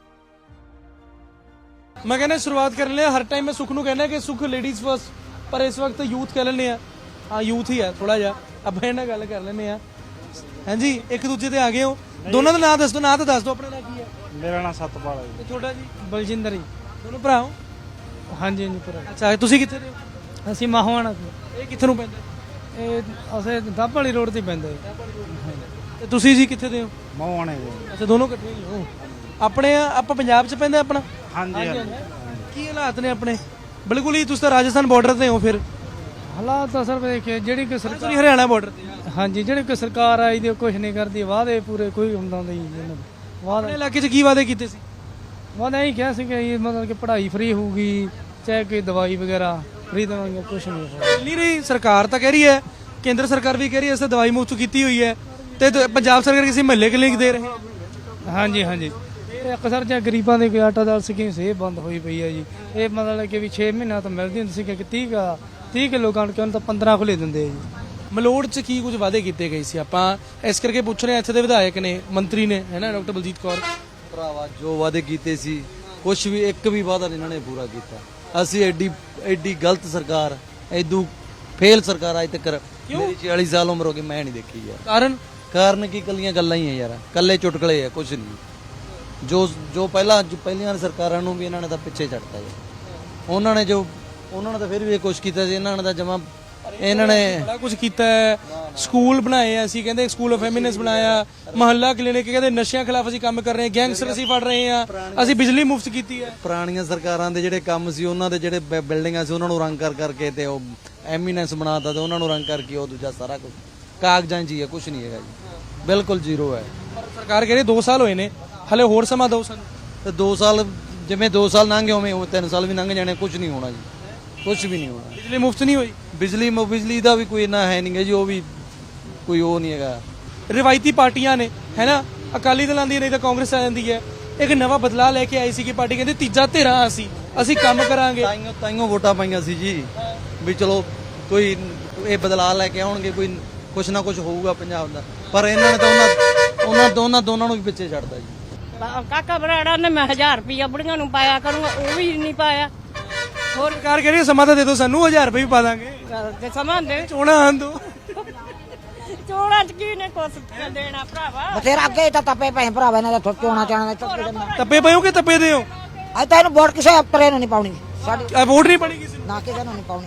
Speaker 2: ਮੈਂ ਕਹਿੰਦਾ ਸ਼ੁਰੂਆਤ ਕਰਨ ਲਿਆ ਹਰ ਟਾਈਮ ਮੈਂ ਸੁਖ ਨੂੰ ਕਹਿੰਦਾ ਕਿ ਸੁਖ ਲੇਡੀਜ਼ ਫਸਟ ਪਰ ਇਸ ਵਕਤ ਯੂਥ ਕਹਿ ਲੈਂਦੇ ਆ ਹਾਂ ਯੂਥ ਹੀ ਹੈ ਥੋੜਾ ਜਿਹਾ ਆਪਾਂ ਇਹਨਾਂ ਗੱਲ ਕਰ ਲੈਂਦੇ ਆ ਹਾਂਜੀ ਇੱਕ ਦੂਜੇ ਤੇ ਆ ਗਏ ਹੋ ਦੋਨਾਂ ਦਾ ਨਾਂ ਦੱਸ ਦਿਓ ਨਾਂ ਤਾਂ ਦੱਸ ਦਿਓ ਆਪਣਾ ਨਾਂ ਕੀ ਹੈ
Speaker 10: ਮੇਰਾ ਨਾਮ ਸਤਪਾਲ ਹੈ
Speaker 2: ਤੇ ਤੁਹਾਡਾ ਜੀ
Speaker 10: ਬਲਜਿੰਦਰ ਜੀ
Speaker 2: ਦੋਨੋਂ ਭਰਾ ਹੋ
Speaker 10: ਹਾਂਜੀ ਹਾਂਜੀ ਭਰਾ
Speaker 2: ਅੱਛਾ ਤੁਸੀਂ ਕਿੱਥੇ ਦੇ ਹੋ
Speaker 10: ਅਸੀਂ ਮਾਹਵਾਣਾ
Speaker 2: ਇਹ ਕਿੱਥੇ ਨੂੰ ਪੈਂਦਾ
Speaker 10: ਇਹ ਅਸੀਂ ਦੱਬ ਵਾਲੀ ਰੋਡ ਤੇ ਪੈਂਦਾ
Speaker 2: ਤੇ ਤੁਸੀਂ ਜੀ ਕਿੱਥੇ ਦੇ ਹੋ
Speaker 10: ਮਾਹਵਾਣੇ
Speaker 2: ਅੱਛਾ ਦੋਨੋਂ ਇਕੱਠੇ ਹੀ ਹੋ ਆਪਣੇ ਆਪਾਂ ਪੰਜਾਬ 'ਚ ਪੈਂਦਾ ਆਪਣਾ
Speaker 10: ਹਾਂਜੀ
Speaker 2: ਕੀ ਹਾਲਾਤ ਨੇ ਆਪਣੇ ਬਿਲਕੁਲ ਹੀ ਤੁਸੀਂ ਤਾਂ ਰਾਜਸਥਾਨ ਬਾਰਡਰ ਤੇ ਹੋ ਫਿਰ
Speaker 10: ਹਾਲਾਤ ਤਾਂ ਸਰ ਦੇਖੇ ਜਿਹੜੀ ਕਿ ਸਰਕਾਰ
Speaker 2: ਸੌਰੀ ਹਰਿਆਣਾ ਬਾਰਡਰ ਤੇ
Speaker 10: ਹਾਂਜੀ ਜਿਹੜੀ ਕਿ ਸਰਕਾਰ ਆਈ ਦੀ ਕੁਝ ਨਹੀਂ ਕਰਦੀ ਵਾਅਦੇ ਪੂਰੇ ਕੋਈ ਹੁੰਦਾ ਨਹੀਂ ਇਹਨਾਂ ਦੇ
Speaker 2: ਆਪਣੇ
Speaker 10: ਵਾਅਦੇ
Speaker 2: ਇਲਾਕੇ 'ਚ ਕੀ ਵਾਅਦੇ ਕੀਤੇ ਸੀ
Speaker 10: ਵਾਅਦੇ ਇਹੀ ਕਿਹਾ ਸੀ ਕਿ ਇਹ ਮਤਲਬ ਕਿ ਪੜ੍ਹਾਈ ਫ੍ਰੀ ਹੋਊਗੀ ਚਾਹੇ ਕੋਈ ਦਵਾਈ ਵਗੈਰਾ ਫ੍ਰੀ ਦੇਵਾਂਗੇ ਕੁਝ ਨਹੀਂ ਹੋਊਗਾ
Speaker 2: ਮਿਲ ਨਹੀਂ ਰਹੀ ਸਰਕਾਰ ਤਾਂ ਕਹਿ ਰਹੀ ਹੈ ਕੇਂਦਰ ਸਰਕਾਰ ਵੀ ਕਹਿ ਰਹੀ ਹੈ ਅਸੀਂ ਦਵਾਈ ਮੁਫਤ ਕੀਤੀ ਹੋਈ ਹੈ ਤੇ ਪੰਜਾਬ ਸਰਕਾਰ ਕਿਸੇ ਮਹੱਲੇ ਕਲੀਨਿਕ ਦੇ ਰਹੇ
Speaker 10: ਹਾਂਜੀ ਹਾਂਜੀ ਤੇ ਅਕਸਰ ਜੇ ਗਰੀਬਾਂ ਦੇ ਕੋਈ ਆਟਾ ਦਾਲ ਸਕੀਮ ਸੇ ਬੰਦ ਹੋਈ ਪਈ ਹੈ ਜੀ ਇਹ ਮਤਲਬ ਕਿ ਵੀ 6 ਮਹੀਨਾ ਤਾਂ ਮਿਲਦੀ ਹੁੰਦੀ ਸੀ ਕਿ 30 ਕਿਲੋ ਕਣਕ ਉਹਨਾਂ ਤਾਂ 15 ਖੁੱਲੇ ਦਿੰਦੇ ਆ ਜੀ
Speaker 2: ਮਲੋੜ 'ਚ ਕੀ ਕੁਝ ਵਾਅਦੇ ਕੀਤੇ ਗਏ ਸੀ ਆਪਾਂ ਇਸ ਕਰਕੇ ਪੁੱਛ ਰਹੇ ਹਾਂ ਇੱਥੇ ਦੇ ਵਿਧਾਇਕ ਨੇ ਮੰਤਰੀ ਨੇ ਹੈ ਨਾ ਡਾਕਟਰ ਬਲਜੀਤ ਕੌਰ
Speaker 1: ਭਰਾਵਾ ਜੋ ਵਾਅਦੇ ਕੀਤੇ ਸੀ ਕੁਝ ਵੀ ਇੱਕ ਵੀ ਵਾਅਦਾ ਨਹੀਂ ਇਹਨਾਂ ਨੇ ਪੂਰਾ ਕੀਤਾ ਅਸੀਂ ਐਡੀ ਗਲਤ ਸਰਕਾਰ ਐਦੂ ਫੇਲ ਸਰਕਾਰ ਅੱਜ ਤੱਕ ਮੇਰੀ 40 ਸਾਲ ਉਮਰ ਹੋ ਗਈ ਮੈਂ ਨਹੀਂ ਦੇਖੀ ਯਾਰ ਕਾਰਨ ਕੀ ਕੱਲੀਆਂ ਗੱਲਾਂ ਹੀ ਆ ਯਾਰ ਕੱਲੇ ਚੁਟਕਲੇ ਆ ਕੁਝ ਨਹੀਂ ਜੋ ਪਹਿਲੀਆਂ ਸਰਕਾਰਾਂ ਨੂੰ ਵੀ ਇਹਨਾਂ ਨੇ ਤਾਂ ਪਿੱਛੇ ਛੱਡਤਾ ਜੀ ਉਹਨਾਂ ਨੇ ਤਾਂ ਫਿਰ ਵੀ ਇਹ ਕੁਛ ਕੀਤਾ ਸੀ ਇਹਨਾਂ ਨੇ ਤਾਂ ਜਮਾ
Speaker 11: ਇਹਨਾਂ ਨੇ
Speaker 2: ਬੜਾ ਕੁਝ ਕੀਤਾ ਹੈ, ਸਕੂਲ ਬਣਾਏ ਆ, ਅਸੀਂ ਕਹਿੰਦੇ ਸਕੂਲ ਆਫ ਫੈਮਿਨਿਸਟ ਬਣਾਇਆ, ਮੁਹੱਲਾ ਕਲੀਨਿਕ, ਕਹਿੰਦੇ ਨਸ਼ਿਆਂ ਖਿਲਾਫ ਅਸੀਂ ਕੰਮ ਕਰ ਰਹੇ ਹਾਂ, ਗੈਂਗਸਟਰ ਅਸੀਂ ਫੜ ਰਹੇ ਹਾਂ, ਅਸੀਂ ਬਿਜਲੀ ਮੁਫਤ ਕੀਤੀ ਹੈ।
Speaker 11: ਪੁਰਾਣੀਆਂ ਸਰਕਾਰਾਂ ਦੇ ਜਿਹੜੇ ਕੰਮ ਸੀ ਉਹਨਾਂ ਦੇ ਜਿਹੜੇ ਬਿਲਡਿੰਗਾਂ ਸੀ ਉਹਨਾਂ ਨੂੰ ਰੰਗ ਕਰ ਕਰਕੇ ਤੇ ਉਹ ਐਮੀਨੈਂਸ ਬਣਾਤਾ ਤੇ ਉਹਨਾਂ ਨੂੰ ਰੰਗ ਕਰਕੇ ਉਹ ਦੂਜਾ ਸਾਰਾ ਕੁਝ ਕਾਗਜ਼ਾਂ 'ਚ ਹੀ ਹੈ, ਕੁਝ ਨਹੀਂ ਹੈਗਾ ਜੀ, ਬਿਲਕੁਲ ਜ਼ੀਰੋ ਹੈ।
Speaker 2: ਪਰ ਸਰਕਾਰ ਕਹਿੰਦੀ 2 ਸਾਲ ਹੋਏ ਨੇ, ਹਲੇ ਹੋਰ ਸਮਾਂ ਦਿਓ ਸਾਨੂੰ।
Speaker 11: ਤੇ 2 ਸਾਲ ਜਿਵੇਂ 2 ਸਾਲ ਲੰਘ ਗਏ ਉਵੇਂ 3 ਸਾਲ ਵੀ ਲੰਘ ਜਾਣੇ, ਕੁਝ ਨਹੀਂ ਹੋਣਾ ਜੀ, ਕੁਝ ਵੀ ਨਹੀਂ ਹੋਣਾ।
Speaker 2: ਬਿਜਲੀ ਮੁਫਤ ਨਹੀਂ ਹੋਈ।
Speaker 11: ਬਿਜਲੀ ਦਾ ਵੀ ਕੋਈ ਇੰਨਾ ਹੈ ਨਹੀਂ ਗਾ ਜੀ, ਉਹ ਵੀ ਕੋਈ ਉਹ ਨਹੀਂ ਹੈਗਾ।
Speaker 2: ਰਿਵਾਇਤੀ ਪਾਰਟੀਆਂ ਨੇ ਹੈ ਨਾ, ਅਕਾਲੀ ਦਲ ਆਂਦੀ ਨਹੀਂ ਤਾਂ ਕਾਂਗਰਸ ਆ ਜਾਂਦੀ ਹੈ, ਇੱਕ ਨਵਾਂ ਬਦਲਾਅ ਲੈ ਕੇ ਆਈ ਸੀ ਕਿ ਪਾਰਟੀ ਕਹਿੰਦੇ ਤੀਜਾ ਧਿਰਾਂ ਅਸੀਂ ਕੰਮ ਕਰਾਂਗੇ।
Speaker 11: ਤਾਈਓ ਵੋਟਾਂ ਪਾਈਆਂ ਸੀ ਜੀ ਵੀ ਚਲੋ ਕੋਈ ਇਹ ਬਦਲਾਅ ਲੈ ਕੇ ਆਉਣਗੇ, ਕੋਈ ਕੁਛ ਨਾ ਕੁਛ ਹੋਊਗਾ ਪੰਜਾਬ ਦਾ, ਪਰ ਇਹਨਾਂ ਨੇ ਤਾਂ ਉਹਨਾਂ ਦੋਨਾਂ ਨੂੰ ਵੀ ਪਿੱਛੇ ਛੱਡਦਾ ਜੀ।
Speaker 8: ਕਾਕਾ ਬਰਾੜਾ ਨੇ ਮੈਂ 1000 ਰੁਪਇਆ ਬੁੜੀਆਂ ਨੂੰ ਪਾਇਆ ਕਰੂੰਗਾ, ਉਹ ਵੀ ਨਹੀਂ ਪਾਇਆ।
Speaker 2: ਹੋਰ ਸਰਕਾਰ ਕਹਿੰਦੀ ਸਮਾਂ ਤਾਂ ਦੇ ਦਿਓ ਸਾਨੂੰ, 1000 ਰੁਪਏ ਵੀ ਪਾ ਦਾਂਗੇ,
Speaker 8: ਤੇ ਸਮਾਂ ਦੇ
Speaker 2: ਚੋਣਾਂ ਆਉਣ ਦਿਓ।
Speaker 8: ਚੋਣਾਂ ਚ ਕੀ ਨੇ ਕੁਛ ਦੇਣਾ ਭਰਾਵਾ।
Speaker 9: ਬਥੇਰਾ ਅੱਗੇ ਤਾਂ ਤਪੇ ਪਏ ਭਰਾਵਾ ਇਹਨਾਂ ਦਾ ਚੋਣਾ ਚਾਣਾ
Speaker 2: ਤੱਪੇ ਪਏ ਹੋ ਕਿ ਤੱਪੇ ਦੇ ਹੋ?
Speaker 9: ਅੱਜ ਤਾਂ ਇਹਨੂੰ ਵੋਟ ਕਿਸੇ ਅਫਸਰ ਨੂੰ ਨਹੀਂ ਪਾਉਣੀ, ਸਾਡੀ
Speaker 2: ਵੋਟ ਨਹੀਂ ਪੜੀ ਕਿਸੇ ਨੂੰ,
Speaker 9: ਨਾ ਕਿਸੇ ਨੂੰ ਨਹੀਂ ਪਾਉਣੀ।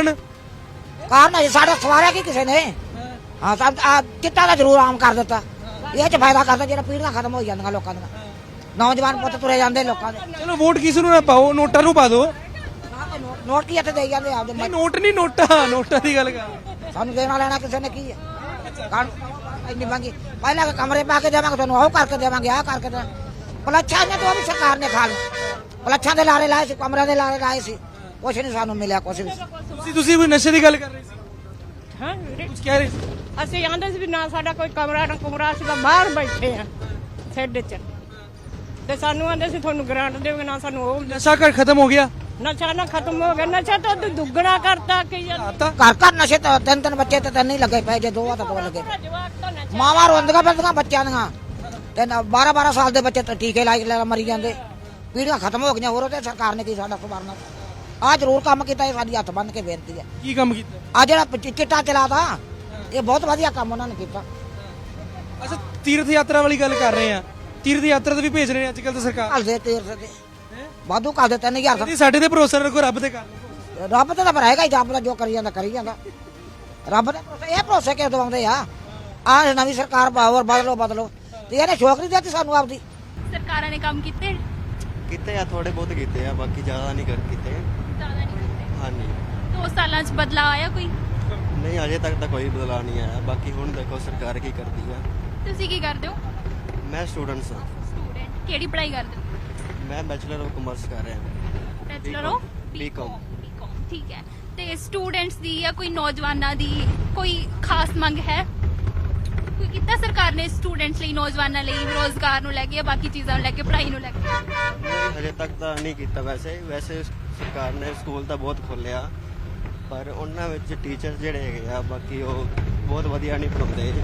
Speaker 2: ਕਾਰਨ
Speaker 9: ਹੈ ਸਾਡਾ ਸਵਾਰਿਆ ਕੀ ਕਿਸੇ ਨੇ? ਹਾਂ ਸਭ ਚਿੱਟਾ ਦਾ ਜ਼ਰੂਰ ਆਮ ਕਰ ਦਿੱਤਾ, ਇਹ ਚ ਫਾਇਦਾ ਕਰਦਾ ਜਿਹੜਾ ਪੀੜ੍ਹੀਆਂ ਖਤਮ ਹੋ ਜਾਂਦੀਆਂ ਲੋਕਾਂ ਦੀਆਂ, ਨੌਜਵਾਨ ਪੁੱਤ ਤੁਰੇ ਜਾਂਦੇ ਲੋਕਾਂ ਦੇ।
Speaker 2: ਚਲੋ ਵੋਟ ਕਿਸੇ ਨੂੰ ਨਾ ਪਾਓ, ਨੋਟਾਂ ਨੂੰ ਪਾ ਦਿਓ।
Speaker 9: ਨੋਟ ਕੀ ਇੱਥੇ ਦੇਈ ਜਾਂਦੇ ਆਪਦੇ
Speaker 2: ਨਹੀਂ ਨੋਟ ਨਹੀਂ, ਨੋਟਾਂ ਦੀ ਗੱਲ ਕਰ।
Speaker 9: ਸਾਨੂੰ ਦੇਣਾ ਲੈਣਾ ਕਿਸੇ ਨੇ ਕੀ ਹੈ? ਇੰਨੀ ਮੰਗੀ ਪਹਿਲਾਂ ਕਿ ਕਮਰੇ ਪਾ ਕੇ ਦੇਵਾਂਗੇ, ਤੁਹਾਨੂੰ ਉਹ ਕਰਕੇ ਦੇਵਾਂਗੇ, ਆਹ ਕਰਕੇ ਦੇਵਾਂਗੇ। ਪਲੱਛਾਂ ਨੇ ਤਾਂ ਉਹ ਵੀ ਸਰਕਾਰ ਨੇ ਖਾ ਲਿਆ, ਪਲੱਛਾਂ ਦੇ ਲਾਰੇ ਲਾਏ ਸੀ, ਕਮਰਿਆਂ ਦੇ ਲਾਰੇ ਲਾਏ ਸੀ, ਕੁਛ ਨਹੀਂ ਸਾਨੂੰ ਮਿਲਿਆ ਕੁਛ ਵੀ।
Speaker 2: ਤੁਸੀਂ ਕੋਈ ਨਸ਼ੇ ਦੀ ਗੱਲ ਕਰ ਰਹੇ ਸੀ?
Speaker 8: ਹਾਂ
Speaker 2: ਕੁਝ ਕਹਿ ਰਹੇ ਸੀ?
Speaker 8: ਅਸੀਂ ਆਂਦੇ ਸੀ ਵੀ ਨਾ ਸਾਡਾ ਕੋਈ ਕਮਰਾ ਨਾ ਕੁਮਰਾ, ਅਸੀਂ ਤਾਂ ਬਾਹਰ ਬੈਠੇ ਆ ਸ਼ੈੱਡ 'ਚ, ਤੇ ਸਾਨੂੰ ਆਂਦੇ ਸੀ ਤੁਹਾਨੂੰ ਗ੍ਰਾਂਟ ਦੇਵਾਂਗੇ, ਨਾ ਸਾਨੂੰ ਉਹ
Speaker 2: ਨਸ਼ਾ ਘਰ ਖਤਮ ਹੋ ਗਿਆ,
Speaker 8: ਨਸ਼ਾ ਨਾ ਖਤਮ ਹੋ ਗਿਆ, ਨਸ਼ਾ ਤਾਂ ਦੁੱਗਣਾ ਕਰਤਾ ਕਿ
Speaker 9: ਘਰ ਘਰ ਨਸ਼ੇ ਤਾਂ ਤਿੰਨ ਬੱਚੇ ਤੇ ਤਿੰਨ ਹੀ ਲੱਗੇ ਪਏ, ਜੇ ਦੋ ਆ ਤਾਂ ਦੋ ਲੱਗੇ ਪਏ। ਮਾਵਾਂ ਰੋਂਦੀਆਂ ਫਿਰਦੀਆਂ ਬੱਚਿਆਂ ਦੀਆਂ, ਤੇ 12-12 ਸਾਲ ਦੇ ਬੱਚੇ ਤਾਂ ਟੀਕੇ ਲਾ ਮਰੀ ਜਾਂਦੇ, ਪੀੜ੍ਹੀਆਂ ਖਤਮ ਹੋ ਗਈਆਂ। ਹੋਰ ਤੇ ਸਰਕਾਰ ਨੇ ਕੀ ਸਾਡਾ ਸੁਧਾਰਨਾ? ਆਹ ਜ਼ਰੂਰ ਕੰਮ ਕੀਤਾ, ਇਹ ਸਾਡੀ ਹੱਥ ਬੰਨ ਕੇ ਬੇਨਤੀ ਹੈ।
Speaker 2: ਕੀ ਕੰਮ ਕੀਤਾ?
Speaker 9: ਆ ਜਿਹੜਾ ਚਿੱਟਾ ਚਲਾਤਾ, ਇਹ ਬਹੁਤ ਵਧੀਆ ਕੰਮ ਉਹਨਾਂ ਨੇ ਕੀਤਾ।
Speaker 2: ਅੱਛਾ ਤੀਰਥ ਯਾਤਰਾ ਵਾਲੀ ਗੱਲ ਕਰ ਰਹੇ ਆ, ਤੀਰਥ ਯਾਤਰਾ ਤੇ ਵੀ ਭੇਜ ਰਹੇ ਨੇ ਅੱਜ ਕੱਲ ਤਾਂ ਸਰਕਾਰ।
Speaker 9: ਘੱਲਦੇ ਤੀਰਥ ਤੇ ਵਾਧੂ ਘੱਲਦੇ 3000
Speaker 2: ਸਾਡੇ ਤੇ ਭਰੋਸਾ ਰੱਖੋ, ਰੱਬ ਤੇ ਕਰ।
Speaker 9: ਰੱਬ ਤੇ ਤਾਂ ਫਿਰ ਹੈਗਾ ਹੀ, ਰੱਬ ਦਾ ਜੋ ਕਰੀ ਜਾਂਦਾ ਕਰੀ ਜਾਂਦਾ। ਰੱਬ ਦੇ ਭਰੋਸੇ ਇਹ ਭਰੋਸੇ ਕਿਉਂ ਦਵਾਉਂਦੇ ਆ? ਆਹ ਨਵੀਂ ਸਰਕਾਰ ਪਾਵਰ ਬਦਲੋ ਤੇ ਇਹਨੇ ਸ਼ੌਕ ਨਹੀਂ ਦਿੱਤੀ ਸਾਨੂੰ ਆਪਦੀ।
Speaker 7: ਸਰਕਾਰਾਂ ਨੇ ਕੰਮ ਕੀਤੇ
Speaker 12: ਆ, ਥੋੜੇ ਬਹੁਤ ਕੀਤੇ ਆ, ਬਾਕੀ ਜ਼ਿਆਦਾ ਨਹੀਂ ਕੀਤੇ।
Speaker 7: ਜ਼ਿਆਦਾ ਨਹੀਂ ਕੀਤੇ।
Speaker 12: ਹਾਂਜੀ
Speaker 7: 2 ਸਾਲਾਂ 'ਚ ਬਦਲਾਅ ਆਇਆ ਕੋਈ?
Speaker 12: ਨਹੀਂ ਅਜੇ ਤੱਕ ਤਾਂ ਕੋਈ ਬਦਲਾਅ ਨਹੀਂ ਆਇਆ, ਬਾਕੀ ਹੁਣ ਦੇਖੋ ਸਰਕਾਰ ਕੀ ਕਰਦੀ ਆ।
Speaker 7: ਤੁਸੀਂ ਕੀ ਕਰਦੇ ਹੋ?
Speaker 12: ਮੈਂ ਸਟੂਡੈਂਟਸ ਹਾਂ।
Speaker 7: ਸਟੂਡੈਂਟ ਕਿਹੜੀ ਪੜ੍ਹਾਈ ਕਰਦੇ ਹੋ?
Speaker 12: ਮੈਂ ਬੈਚਲਰ ਆਫ ਕਮਰਸ ਕਰ ਰਿਹਾ।
Speaker 7: Bachelor of
Speaker 12: BCom.
Speaker 7: ਠੀਕ ਹੈ। ਤੇ ਸਟੂਡੈਂਟਸ ਦੀ ਜਾਂ ਕੋਈ ਨੌਜਵਾਨਾਂ ਦੀ ਕੋਈ ਖਾਸ ਮੰਗ ਹੈ? ਕੋਈ ਕੀਤਾ ਸਰਕਾਰ ਨੇ ਸਟੂਡੈਂਟਸ ਲਈ, ਨੌਜਵਾਨਾਂ ਲਈ, ਰੋਜ਼ਗਾਰ ਨੂੰ ਲੈ ਕੇ ਜਾਂ ਬਾਕੀ ਚੀਜ਼ਾਂ ਨੂੰ ਲੈ ਕੇ, ਪੜ੍ਹਾਈ ਨੂੰ ਲੈ ਕੇ?
Speaker 12: ਹਜੇ ਤੱਕ ਤਾਂ ਨਹੀਂ ਕੀਤਾ। ਵੈਸੇ ਸਰਕਾਰ ਨੇ ਸਕੂਲ ਤਾਂ ਬਹੁਤ ਖੋਲ੍ਹਿਆ, ਪਰ ਉਹਨਾਂ ਵਿੱਚ ਟੀਚਰ ਜਿਹੜੇ ਹੈਗੇ ਆ ਬਾਕੀ ਉਹ ਬਹੁਤ ਵਧੀਆ ਨਹੀਂ ਪੜ੍ਹਾਉਂਦੇ।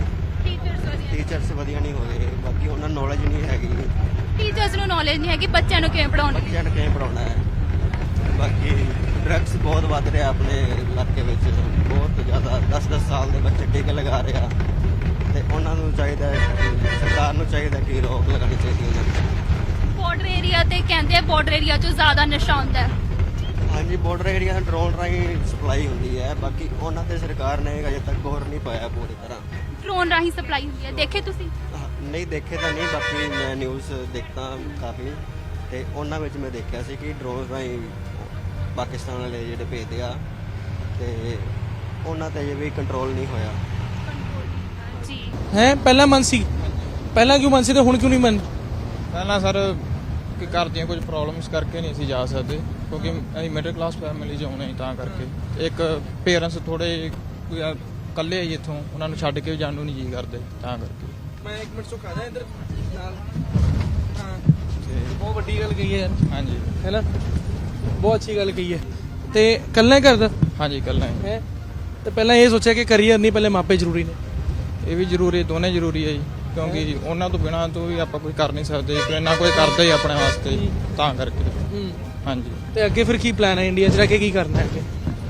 Speaker 12: ਟੀਚਰਸ ਵਧੀਆ ਨਹੀਂ ਹੋਏ, ਬਾਕੀ ਉਹਨਾਂ ਨੂੰ ਨੌਲੇਜ ਨਹੀਂ ਹੈਗੀ।
Speaker 7: ਟੀਚਰਸ ਨੂੰ ਨੌਲੇਜ ਨਹੀਂ ਹੈਗੀ, ਬੱਚਿਆਂ ਨੂੰ ਕਿਵੇਂ ਪੜਾਉਣਾ?
Speaker 12: ਬੱਚਿਆਂ ਨੂੰ ਕਿਵੇਂ ਪੜਾਉਣਾ ਹੈ। ਬਾਕੀ ਡਰੱਗਸ ਬਹੁਤ ਵੱਧ ਰਿਹਾ ਆਪਣੇ ਇਲਾਕੇ ਵਿੱਚ, ਬਹੁਤ ਜ਼ਿਆਦਾ 10-10 ਸਾਲ ਦੇ ਬੱਚੇ ਟੀਕੇ ਲਗਾ ਰਹੇ ਆ, ਤੇ ਉਹਨਾਂ ਨੂੰ ਚਾਹੀਦਾ, ਸਰਕਾਰ ਨੂੰ ਚਾਹੀਦਾ ਕਿ ਰੋਕ ਲਗਾਉਣੀ ਚਾਹੀਦੀ ਹੈ ਉਹਨਾਂ ਦੀ।
Speaker 7: ਬਾਰਡਰ ਏਰੀਆ ਤੇ ਕਹਿੰਦੇ ਆ ਬਾਰਡਰ ਏਰੀਆ 'ਚ ਜ਼ਿਆਦਾ ਨਸ਼ਾ ਹੁੰਦਾ ਹੈ।
Speaker 12: ਹਾਂਜੀ ਬਾਰਡਰ ਏਰੀਆ ਦਾ ਡਰੋਨ ਰਾਹੀਂ ਸਪਲਾਈ ਹੁੰਦੀ ਹੈ, ਬਾਕੀ ਉਹਨਾਂ ਤੇ ਸਰਕਾਰ ਨੇ ਅਜੇ ਤੱਕ ਗੌਰ ਨਹੀਂ ਪਾਇਆ ਪੂਰੀ ਤਰ੍ਹਾਂ।
Speaker 7: ਡਰੋਨ ਰਾਹੀਂ ਸਪਲਾਈ ਹੁੰਦੀ ਹੈ, ਦੇਖੇ ਤੁਸੀਂ?
Speaker 12: ਨਹੀਂ ਦੇਖੇ ਤਾਂ ਨਹੀਂ, ਬਾਕੀ ਮੈਂ ਨਿਊਜ਼ ਦੇਖਦਾ ਕਾਫੀ, ਤੇ ਉਹਨਾਂ ਵਿੱਚ ਮੈਂ ਦੇਖਿਆ ਸੀ ਕਿ ਡਰੋਨ ਰਾਹੀਂ ਪਾਕਿਸਤਾਨ ਵਾਲੇ ਜਿਹੜੇ ਭੇਜਦੇ ਆ, ਤੇ ਉਹਨਾਂ ਤੇ ਅਜੇ ਵੀ ਕੰਟਰੋਲ ਨਹੀਂ ਹੋਇਆ।
Speaker 7: ਜੀ
Speaker 2: ਹੈ ਪਹਿਲਾਂ ਮਨ ਸੀ, ਪਹਿਲਾਂ ਕਿਉਂ ਮਨ ਸੀ ਤੇ ਹੁਣ ਕਿਉਂ ਨਹੀਂ ਮਨ?
Speaker 3: ਪਹਿਲਾਂ ਸਰ ਕਿ ਘਰ ਦੀਆਂ ਕੁਝ ਪ੍ਰੋਬਲਮਸ ਕਰਕੇ ਨਹੀਂ ਅਸੀਂ ਜਾ ਸਕਦੇ, ਕਿਉਂਕਿ ਅਸੀਂ ਮਿਡਲ ਕਲਾਸ ਫੈਮਿਲੀ 'ਚ ਆਉਣੇ ਤਾਂ ਕਰਕੇ। ਇੱਕ ਪੇਰੈਂਟਸ ਥੋੜੇ ਇਕੱਲੇ ਆਈ ਇੱਥੋਂ, ਉਹਨਾਂ ਨੂੰ ਛੱਡ ਕੇ ਵੀ ਜਾਣ ਨੂੰ ਨਹੀਂ ਜੀ ਕਰਦੇ, ਤਾਂ ਕਰਕੇ।
Speaker 2: ਮੈਂ 1 ਮਿੰਟ ਸੁੱਕਾ ਜਾ ਇੱਧਰ ਨਾਲ। ਹਾਂ ਬਹੁਤ ਵੱਡੀ ਗੱਲ ਕਹੀ ਹੈ ਯਾਰ।
Speaker 3: ਹਾਂਜੀ
Speaker 2: ਹੈ ਨਾ, ਬਹੁਤ ਅੱਛੀ ਗੱਲ ਕਹੀ ਹੈ। ਤੇ ਕੱਲਾ ਕਰਦਾ?
Speaker 3: ਹਾਂਜੀ ਇਕੱਲਾ
Speaker 2: ਹੈ। ਤੇ ਪਹਿਲਾਂ ਇਹ ਸੋਚਿਆ ਕਿ ਕਰੀਅਰ ਨਹੀਂ, ਪਹਿਲੇ ਮਾਪੇ ਜ਼ਰੂਰੀ ਨੇ?
Speaker 3: ਇਹ ਵੀ ਜ਼ਰੂਰੀ, ਦੋਨੇ ਜ਼ਰੂਰੀ ਹੈ ਜੀ, ਕਿਉਂਕਿ ਉਹਨਾਂ ਤੋਂ ਬਿਨਾਂ ਤੋਂ ਵੀ ਆਪਾਂ ਕੁਝ ਕਰ ਨਹੀਂ ਸਕਦੇ, ਇੰਨਾ ਕੋਈ ਕਰਦਾ ਹੀ ਆਪਣੇ ਵਾਸਤੇ, ਤਾਂ ਕਰਕੇ। ਹਾਂਜੀ।
Speaker 2: ਤੇ ਅੱਗੇ ਫਿਰ ਕੀ ਪਲਾਨ ਹੈ ਇੰਡੀਆ 'ਚ ਰਹਿ ਕੇ, ਕੀ ਕਰਨਾ ਹੈ ਅੱਗੇ?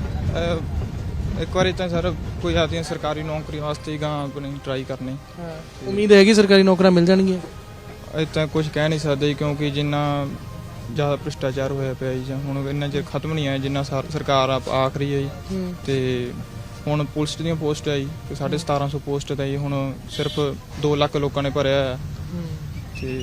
Speaker 3: ਇੱਕ ਵਾਰੀ ਤਾਂ ਸਰ ਕੋਈ ਆਪਦੀਆਂ ਸਰਕਾਰੀ ਨੌਕਰੀ ਵਾਸਤੇ ਗਾਂ ਆਪਣੀ ਟਰਾਈ ਕਰਨੀ।
Speaker 2: ਉਮੀਦ ਹੈਗੀ ਸਰਕਾਰੀ ਨੌਕਰੀਆਂ ਮਿਲ ਜਾਣਗੀਆਂ?
Speaker 3: ਇਹ ਤਾਂ ਕੁਝ ਕਹਿ ਨਹੀਂ ਸਕਦੇ, ਕਿਉਂਕਿ ਜਿੰਨਾ ਜ਼ਿਆਦਾ ਭ੍ਰਿਸ਼ਟਾਚਾਰ ਹੋਇਆ ਪਿਆ ਜੀ, ਹੁਣ ਇੰਨਾ ਚਿਰ ਖਤਮ ਨਹੀਂ ਆਇਆ ਜਿੰਨਾ ਸਰਕਾਰ ਆਖ ਰਹੀ ਹੈ ਜੀ। ਤੇ ਹੁਣ ਪੁਲਿਸ ਦੀਆਂ ਪੋਸਟ ਆਈ ਤੇ 1750 ਪੋਸਟ ਤਾਂ ਜੀ ਹੁਣ ਸਿਰਫ 2 ਲੱਖ ਲੋਕਾਂ ਨੇ ਭਰਿਆ ਹੈ ਤੇ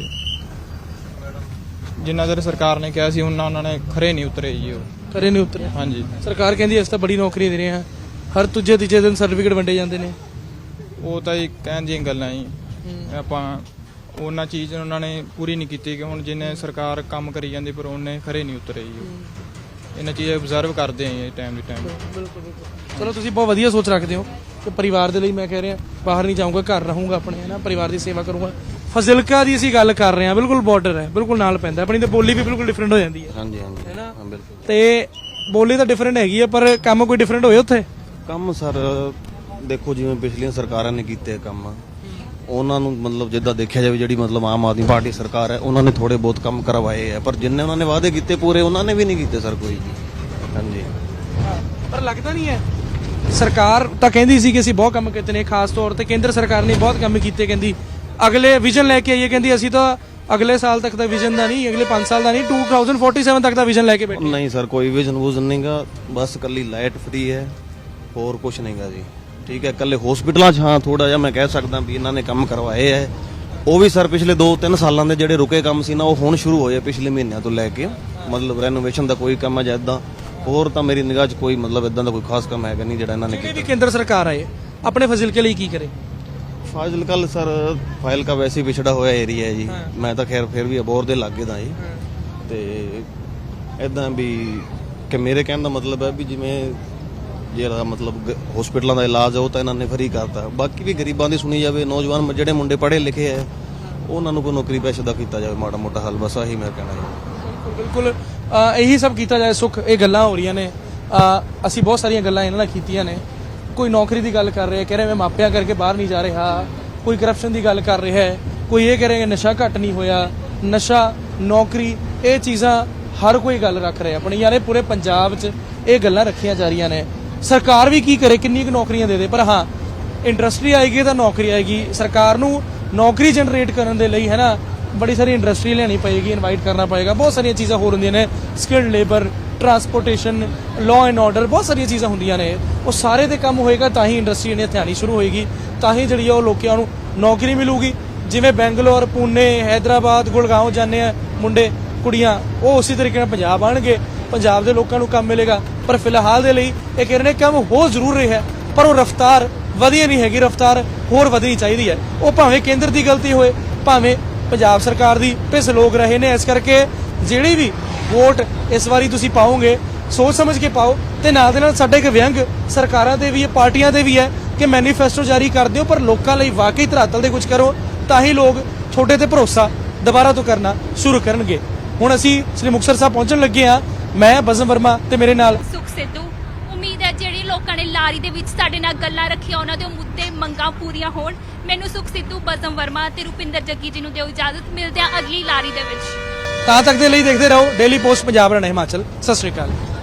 Speaker 3: ਜਿੰਨਾ ਚਿਰ ਸਰਕਾਰ ਨੇ ਕਿਹਾ ਸੀ ਉਹਨਾਂ ਨੇ ਖਰੇ ਨਹੀਂ ਉਤਰੇ ਜੀ ਉਹ
Speaker 2: ਕਰੇ ਨਹੀਂ ਉਤਰਿਆ।
Speaker 3: ਹਾਂਜੀ
Speaker 2: ਸਰਕਾਰ ਕਹਿੰਦੀ ਅਸੀਂ ਤਾਂ ਬੜੀ ਨੌਕਰੀ ਦੇ ਰਹੇ ਹਾਂ, ਹਰ ਦੂਜੇ ਤੀਜੇ ਦਿਨ ਸਰਟੀਫਿਕੇਟ ਵੰਡੇ ਜਾਂਦੇ ਨੇ।
Speaker 3: ਉਹ ਤਾਂ ਜੀ ਕਹਿਣ ਦੀਆਂ ਗੱਲਾਂ ਜੀ ਆਪਾਂ ਉਹਨਾਂ ਚੀਜ਼ ਉਹਨਾਂ ਨੇ ਪੂਰੀ ਨਹੀਂ ਕੀਤੀ ਕਿ ਹੁਣ ਜਿੰਨੇ ਸਰਕਾਰ ਕੰਮ ਕਰੀ ਜਾਂਦੀ ਪਰ ਉਹਨੇ ਖਰੇ ਨਹੀਂ ਉਤਰੇ ਜੀ ਇਹਨਾਂ ਚੀਜ਼ਾਂ ਆਬਜ਼ਰਵ ਕਰਦੇ ਆਂ ਟਾਈਮ ਦੀ ਟਾਈਮ।
Speaker 2: ਚਲੋ ਤੁਸੀਂ ਬਹੁਤ ਵਧੀਆ ਸੋਚ ਰੱਖਦੇ ਹੋ ਕਿ ਪਰਿਵਾਰ ਦੇ ਲਈ ਮੈਂ ਕਹਿ ਰਿਹਾ ਬਾਹਰ ਨਹੀਂ ਜਾਊਂਗਾ, ਘਰ ਰਹੂੰਗਾ ਆਪਣੇ, ਹੈ ਨਾ, ਪਰਿਵਾਰ ਦੀ ਸੇਵਾ ਕਰੂੰਗਾ। ਫਜ਼ਿਲਕਾ ਦੀ ਅਸੀਂ ਗੱਲ ਕਰ ਰਹੇ ਹਾਂ, ਬਿਲਕੁਲ ਬਾਰਡਰ ਹੈ, ਬਿਲਕੁਲ ਨਾਲ ਪੈਂਦਾ, ਆਪਣੀ ਤਾਂ ਬੋਲੀ ਵੀ ਬਿਲਕੁਲ ਡਿਫਰੈਂਟ ਹੋ ਜਾਂਦੀ ਹੈ।
Speaker 12: ਹਾਂਜੀ ਹਾਂਜੀ
Speaker 2: ਹੈ ਨਾ?
Speaker 12: ਹਾਂ ਬਿਲਕੁਲ।
Speaker 2: ਤੇ ਬੋਲੀ ਤਾਂ ਡਿਫਰੈਂਟ ਹੈਗੀ ਹੈ ਪਰ ਕੰਮ ਕੋਈ ਡਿਫਰੈਂਟ ਹੋਏ ਉੱਥੇ?
Speaker 12: ਕੰਮ ਸਰ ਦੇਖੋ ਜਿਵੇਂ ਪਿਛਲੀਆਂ ਸਰਕਾਰਾਂ ਨੇ ਕੀਤੇ ਕੰਮ, ਉਹਨਾਂ ਨੂੰ ਮਤਲਬ ਜਿੱਦਾਂ ਦੇਖਿਆ ਜਾਵੇ ਜਿਹੜੀ ਮਤਲਬ ਆਮ ਆਦਮੀ ਪਾਰਟੀ ਸਰਕਾਰ ਹੈ ਉਹਨਾਂ ਨੇ ਥੋੜੇ ਬਹੁਤ ਕੰਮ ਕਰਵਾਏ ਆ, ਪਰ ਜਿੰਨੇ ਉਹਨਾਂ ਨੇ ਵਾਅਦੇ ਕੀਤੇ ਪੂਰੇ ਉਹਨਾਂ ਨੇ ਵੀ ਨਹੀਂ ਕੀਤੇ ਸਰ ਕੋਈ ਵੀ। ਹਾਂਜੀ
Speaker 2: ਪਰ ਲੱਗਦਾ ਨਹੀਂ ਹੈ ਸਰਕਾਰ ਤਾਂ ਕਹਿੰਦੀ ਸੀ ਕਿ ਅਸੀਂ ਬਹੁਤ ਕੰਮ ਕੀਤੇ ਨੇ, ਖਾਸ ਤੌਰ ਤੇ ਕੇਂਦਰ ਸਰਕਾਰ ਨੇ ਬਹੁਤ ਕੰਮ ਕੀਤੇ, ਕਹਿੰਦੀ ਅਗਲੇ ਵਿਜ਼ਨ ਲੈ ਕੇ ਆਈਏ, ਕਹਿੰਦੀ ਅਸੀਂ ਤਾਂ ਅਗਲੇ ਸਾਲ ਤੱਕ ਦਾ ਵਿਜ਼ਨ ਦਾ ਨਹੀਂ, ਅਗਲੇ 5 ਸਾਲ ਦਾ ਨਹੀਂ, 2047 ਤੱਕ ਦਾ ਵਿਜ਼ਨ ਲੈ ਕੇ ਬੈਠੇ।
Speaker 12: ਨਹੀਂ ਸਰ ਕੋਈ ਵਿਜ਼ਨ ਵੂਜ਼ਨ ਨਹੀਂਗਾ, ਬਸ ਕੱਲੀ ਲਾਈਟ ਫ੍ਰੀ ਹੈ, ਹੋਰ ਕੁਝ ਨਹੀਂਗਾ ਜੀ। ਠੀਕ ਹੈ, ਕੱਲੇ ਹਸਪੀਟਲਾਂ 'ਚ ਹਾਂ ਥੋੜਾ ਜਿਹਾ ਮੈਂ ਕਹਿ ਸਕਦਾ ਵੀ ਇਹਨਾਂ ਨੇ ਕੰਮ ਕਰਵਾਏ ਹੈ, ਉਹ ਵੀ ਸਰ ਪਿਛਲੇ 2-3 ਸਾਲਾਂ ਦੇ ਜਿਹੜੇ ਰੁਕੇ ਕੰਮ ਸੀ ਨਾ ਉਹ ਹੁਣ ਸ਼ੁਰੂ ਹੋਏ ਪਿਛਲੇ ਮਹੀਨਿਆਂ ਤੋਂ ਲੈ ਕੇ, ਮਤਲਬ ਰੈਨੋਵੇਸ਼ਨ ਦਾ ਕੋਈ ਕੰਮ ਹੈ ਜਾਂ ਇੱਦਾਂ, ਹੋਰ ਤਾਂ ਮੇਰੀ ਨਿਗਾਹ 'ਚ ਕੋਈ ਮਤਲਬ ਇਦਾਂ ਦਾ ਕੋਈ ਖਾਸ ਕੰਮ ਹੈਗਾ ਨਹੀਂ ਜਿਹੜਾ ਇਹਨਾਂ ਨੇ
Speaker 2: ਜਿਹੜੀ
Speaker 12: ਕੀਤਾ।
Speaker 2: ਵੀ ਕੇਂਦਰ ਸਰਕਾਰ ਆਏ ਆਪਣੇ ਫਜ਼ਿਲਕੇ ਲਈ ਕੀ ਕਰੇ?
Speaker 12: ਫਾਜ਼ਿਲਕਾ ਸਰ ਫਾਜ਼ਿਲਕਾ ਵੈਸੇ ਹੀ ਪਿਛੜਾ ਹੋਇਆ ਏਰੀਆ ਹੈ ਜੀ, ਮੈਂ ਤਾਂ ਖੈਰ ਫਿਰ ਵੀ ਅਬੋਰ ਦੇ ਲਾਗੇ ਦਾ ਜੀ, ਤੇ ਇਦਾਂ ਵੀ ਕਿ ਮੇਰੇ ਕਹਿਣ ਦਾ ਮਤਲਬ ਹੈ ਵੀ ਜਿਵੇਂ ਜਿਹੜਾ ਮਤਲਬ ਹਸਪੀਟਲਾਂ ਦਾ ਇਲਾਜ ਹੈ ਉਹ ਤਾਂ ਇਹਨਾਂ ਨੇ ਫਰੀ ਕਰਤਾ, ਬਾਕੀ ਵੀ ਗਰੀਬਾਂ ਦੀ ਸੁਣੀ ਜਾਵੇ, ਨੌਜਵਾਨ ਜਿਹੜੇ ਮੁੰਡੇ ਪੜ੍ਹੇ ਲਿਖੇ ਹੈ ਉਹਨਾਂ ਨੂੰ ਕੋਈ ਨੌਕਰੀ ਪੇਸ਼ਾ ਦਾ ਕੀਤਾ ਜਾਵੇ ਮਾੜਾ ਮੋਟਾ ਹੱਲ, ਬਸ ਆਹੀ ਮੈਂ ਕਹਿਣਾ ਜੀ।
Speaker 2: ਬਿਲਕੁਲ ਇਹੀ ਸਭ ਕੀਤਾ ਜਾਏ। ਸੁੱਖ ਇਹ ਗੱਲਾਂ ਹੋ ਰਹੀਆਂ ਨੇ, ਅਸੀਂ ਬਹੁਤ ਸਾਰੀਆਂ ਗੱਲਾਂ ਇਹਨਾਂ ਨਾਲ ਕੀਤੀਆਂ ਨੇ। ਕੋਈ ਨੌਕਰੀ ਦੀ ਗੱਲ ਕਰ ਰਿਹਾ, ਕਹਿ ਰਿਹਾ ਮੈਂ ਮਾਪਿਆਂ ਕਰਕੇ ਬਾਹਰ ਨਹੀਂ ਜਾ ਰਿਹਾ, ਕੋਈ ਕਰਪਸ਼ਨ ਦੀ ਗੱਲ ਕਰ ਰਿਹਾ ਹੈ, ਕੋਈ ਇਹ ਕਹਿ ਰਿਹਾ ਨਸ਼ਾ ਘੱਟ ਨਹੀਂ ਹੋਇਆ, ਨਸ਼ਾ ਨੌਕਰੀ ਇਹ ਚੀਜ਼ਾਂ ਹਰ ਕੋਈ ਗੱਲ ਰੱਖ ਰਿਹਾ ਆਪਣੀ, ਯਾਰ ਇਹ ਪੂਰੇ ਪੰਜਾਬ 'ਚ ਇਹ ਗੱਲਾਂ ਰੱਖੀਆਂ ਜਾ ਰਹੀਆਂ ਨੇ। ਸਰਕਾਰ ਵੀ ਕੀ ਕਰੇ, ਕਿੰਨੀ ਕੁ ਨੌਕਰੀਆਂ ਦੇ ਦੇ, ਪਰ ਹਾਂ ਇੰਡਸਟਰੀ ਆਏਗੀ ਤਾਂ ਨੌਕਰੀ ਆਏਗੀ। ਸਰਕਾਰ ਨੂੰ ਨੌਕਰੀ ਜਨਰੇਟ ਕਰਨ ਦੇ ਲਈ ਹੈ ਨਾ ਬੜੀ ਸਾਰੀ ਇੰਡਸਟਰੀ ਲਿਆਉਣੀ ਪਏਗੀ, ਇਨਵਾਈਟ ਕਰਨਾ ਪਏਗਾ, ਬਹੁਤ ਸਾਰੀਆਂ ਚੀਜ਼ਾਂ ਹੋਰ ਹੁੰਦੀਆਂ ਨੇ, skilled labour, transportation, law and order, ਬਹੁਤ ਸਾਰੀਆਂ ਚੀਜ਼ਾਂ ਹੁੰਦੀਆਂ ਨੇ। ਉਹ ਸਾਰੇ ਤੇ ਕੰਮ ਹੋਏਗਾ ਤਾਂ ਹੀ ਇੰਡਸਟਰੀ ਨੇ ਇੱਥੇ ਆਉਣੀ ਸ਼ੁਰੂ ਹੋਏਗੀ, ਤਾਂ ਹੀ ਜਿਹੜੀ ਉਹ ਲੋਕਾਂ ਨੂੰ ਨੌਕਰੀ ਮਿਲੂਗੀ। ਜਿਵੇਂ ਬੈਂਗਲੌਰ, ਪੂਨੇ, ਹੈਦਰਾਬਾਦ, ਗੁੜਗਾਉਂ ਜਾਂਦੇ ਆ ਮੁੰਡੇ ਕੁੜੀਆਂ, ਉਹ ਉਸੇ ਤਰੀਕੇ ਨਾਲ ਪੰਜਾਬ ਆਣਗੇ, ਪੰਜਾਬ ਦੇ ਲੋਕਾਂ ਨੂੰ ਕੰਮ ਮਿਲੇਗਾ। ਪਰ ਫਿਲਹਾਲ ਦੇ ਲਈ ਇਹ ਕਹਿ ਰਹੇ ਨੇ ਕੰਮ ਹੋ ਜ਼ਰੂਰ ਰਿਹਾ ਪਰ ਉਹ ਰਫ਼ਤਾਰ ਵਧੀਆ ਨਹੀਂ ਹੈਗੀ, ਰਫ਼ਤਾਰ ਹੋਰ ਵਧਣੀ ਚਾਹੀਦੀ ਹੈ। ਉਹ ਭਾਵੇਂ ਕੇਂਦਰ ਦੀ ਗਲਤੀ ਹੋਏ ਭਾਵੇਂ ਪੰਜਾਬ ਸਰਕਾਰ ਦੀ, ਪਿਸ ਲੋਕ ਰਹੇ ਨੇ। ਇਸ ਕਰਕੇ ਜਿਹੜੀ ਵੀ ਵੋਟ ਇਸ ਵਾਰੀ ਤੁਸੀਂ ਪਾਓਗੇ ਸੋਚ ਸਮਝ ਕੇ ਪਾਓ, ਤੇ ਨਾਲ ਦੇ ਨਾਲ ਸਾਡਾ ਇੱਕ ਵਿਅੰਗ ਸਰਕਾਰਾਂ ਦੇ ਵੀ ਹੈ, ਪਾਰਟੀਆਂ ਦੇ ਵੀ ਹੈ ਕਿ ਮੈਨੀਫੈਸਟੋ ਜਾਰੀ ਕਰ ਦਿਓ ਪਰ ਲੋਕਾਂ ਲਈ ਵਾਕਈ ਧਰਾਤਲ ਦੇ ਕੁਝ ਕਰੋ, ਤਾਂ ਹੀ ਲੋਕ ਤੁਹਾਡੇ ਤੇ ਭਰੋਸਾ ਦੁਬਾਰਾ ਤੋਂ ਕਰਨਾ ਸ਼ੁਰੂ ਕਰਨਗੇ। ਹੁਣ ਅਸੀਂ ਸ੍ਰੀ ਮੁਕਤਸਰ ਸਾਹਿਬ ਪਹੁੰਚਣ ਲੱਗੇ ਹਾਂ, ਮੈਂ ਬਜ਼ਮ ਵਰਮਾ ਤੇ ਮੇਰੇ ਨਾਲ
Speaker 7: ਸੁਖ ਸਿੱਧੂ। ਉਮੀਦ ਹੈ ਜਿਹੜੀ ਲੋਕਾਂ ਨੇ ਲਾਰੀ ਦੇ ਵਿੱਚ ਸਾਡੇ ਨਾਲ ਗੱਲਾਂ ਰੱਖੀਆਂ ਉਹਨਾਂ ਦੇ ਮੁੱਦੇ ਮੰਗਾਂ ਪੂਰੀਆਂ ਹੋਣ। ਮੈਨੂੰ ਸੁਖ ਸਿੱਧੂ, ਬਜ਼ਮ ਵਰਮਾ ਤੇ ਰੁਪਿੰਦਰ ਜੱਗੀ ਜੀ ਨੂੰ ਦਿਓ ਇਜਾਜ਼ਤ, ਮਿਲਦੇ ਆ ਅਗਲੀ ਲਾਰੀ ਦੇ ਵਿੱਚ।
Speaker 2: ਤਾਂ ਤੱਕ ਦੇ ਲਈ ਦੇਖਦੇ ਰਹੋ ਡੇਲੀ ਪੋਸਟ ਪੰਜਾਬ, ਹਰਿਆਣਾ, ਹਿਮਾਚਲ। ਸਤਿ ਸ਼੍ਰੀ ਅਕਾਲ।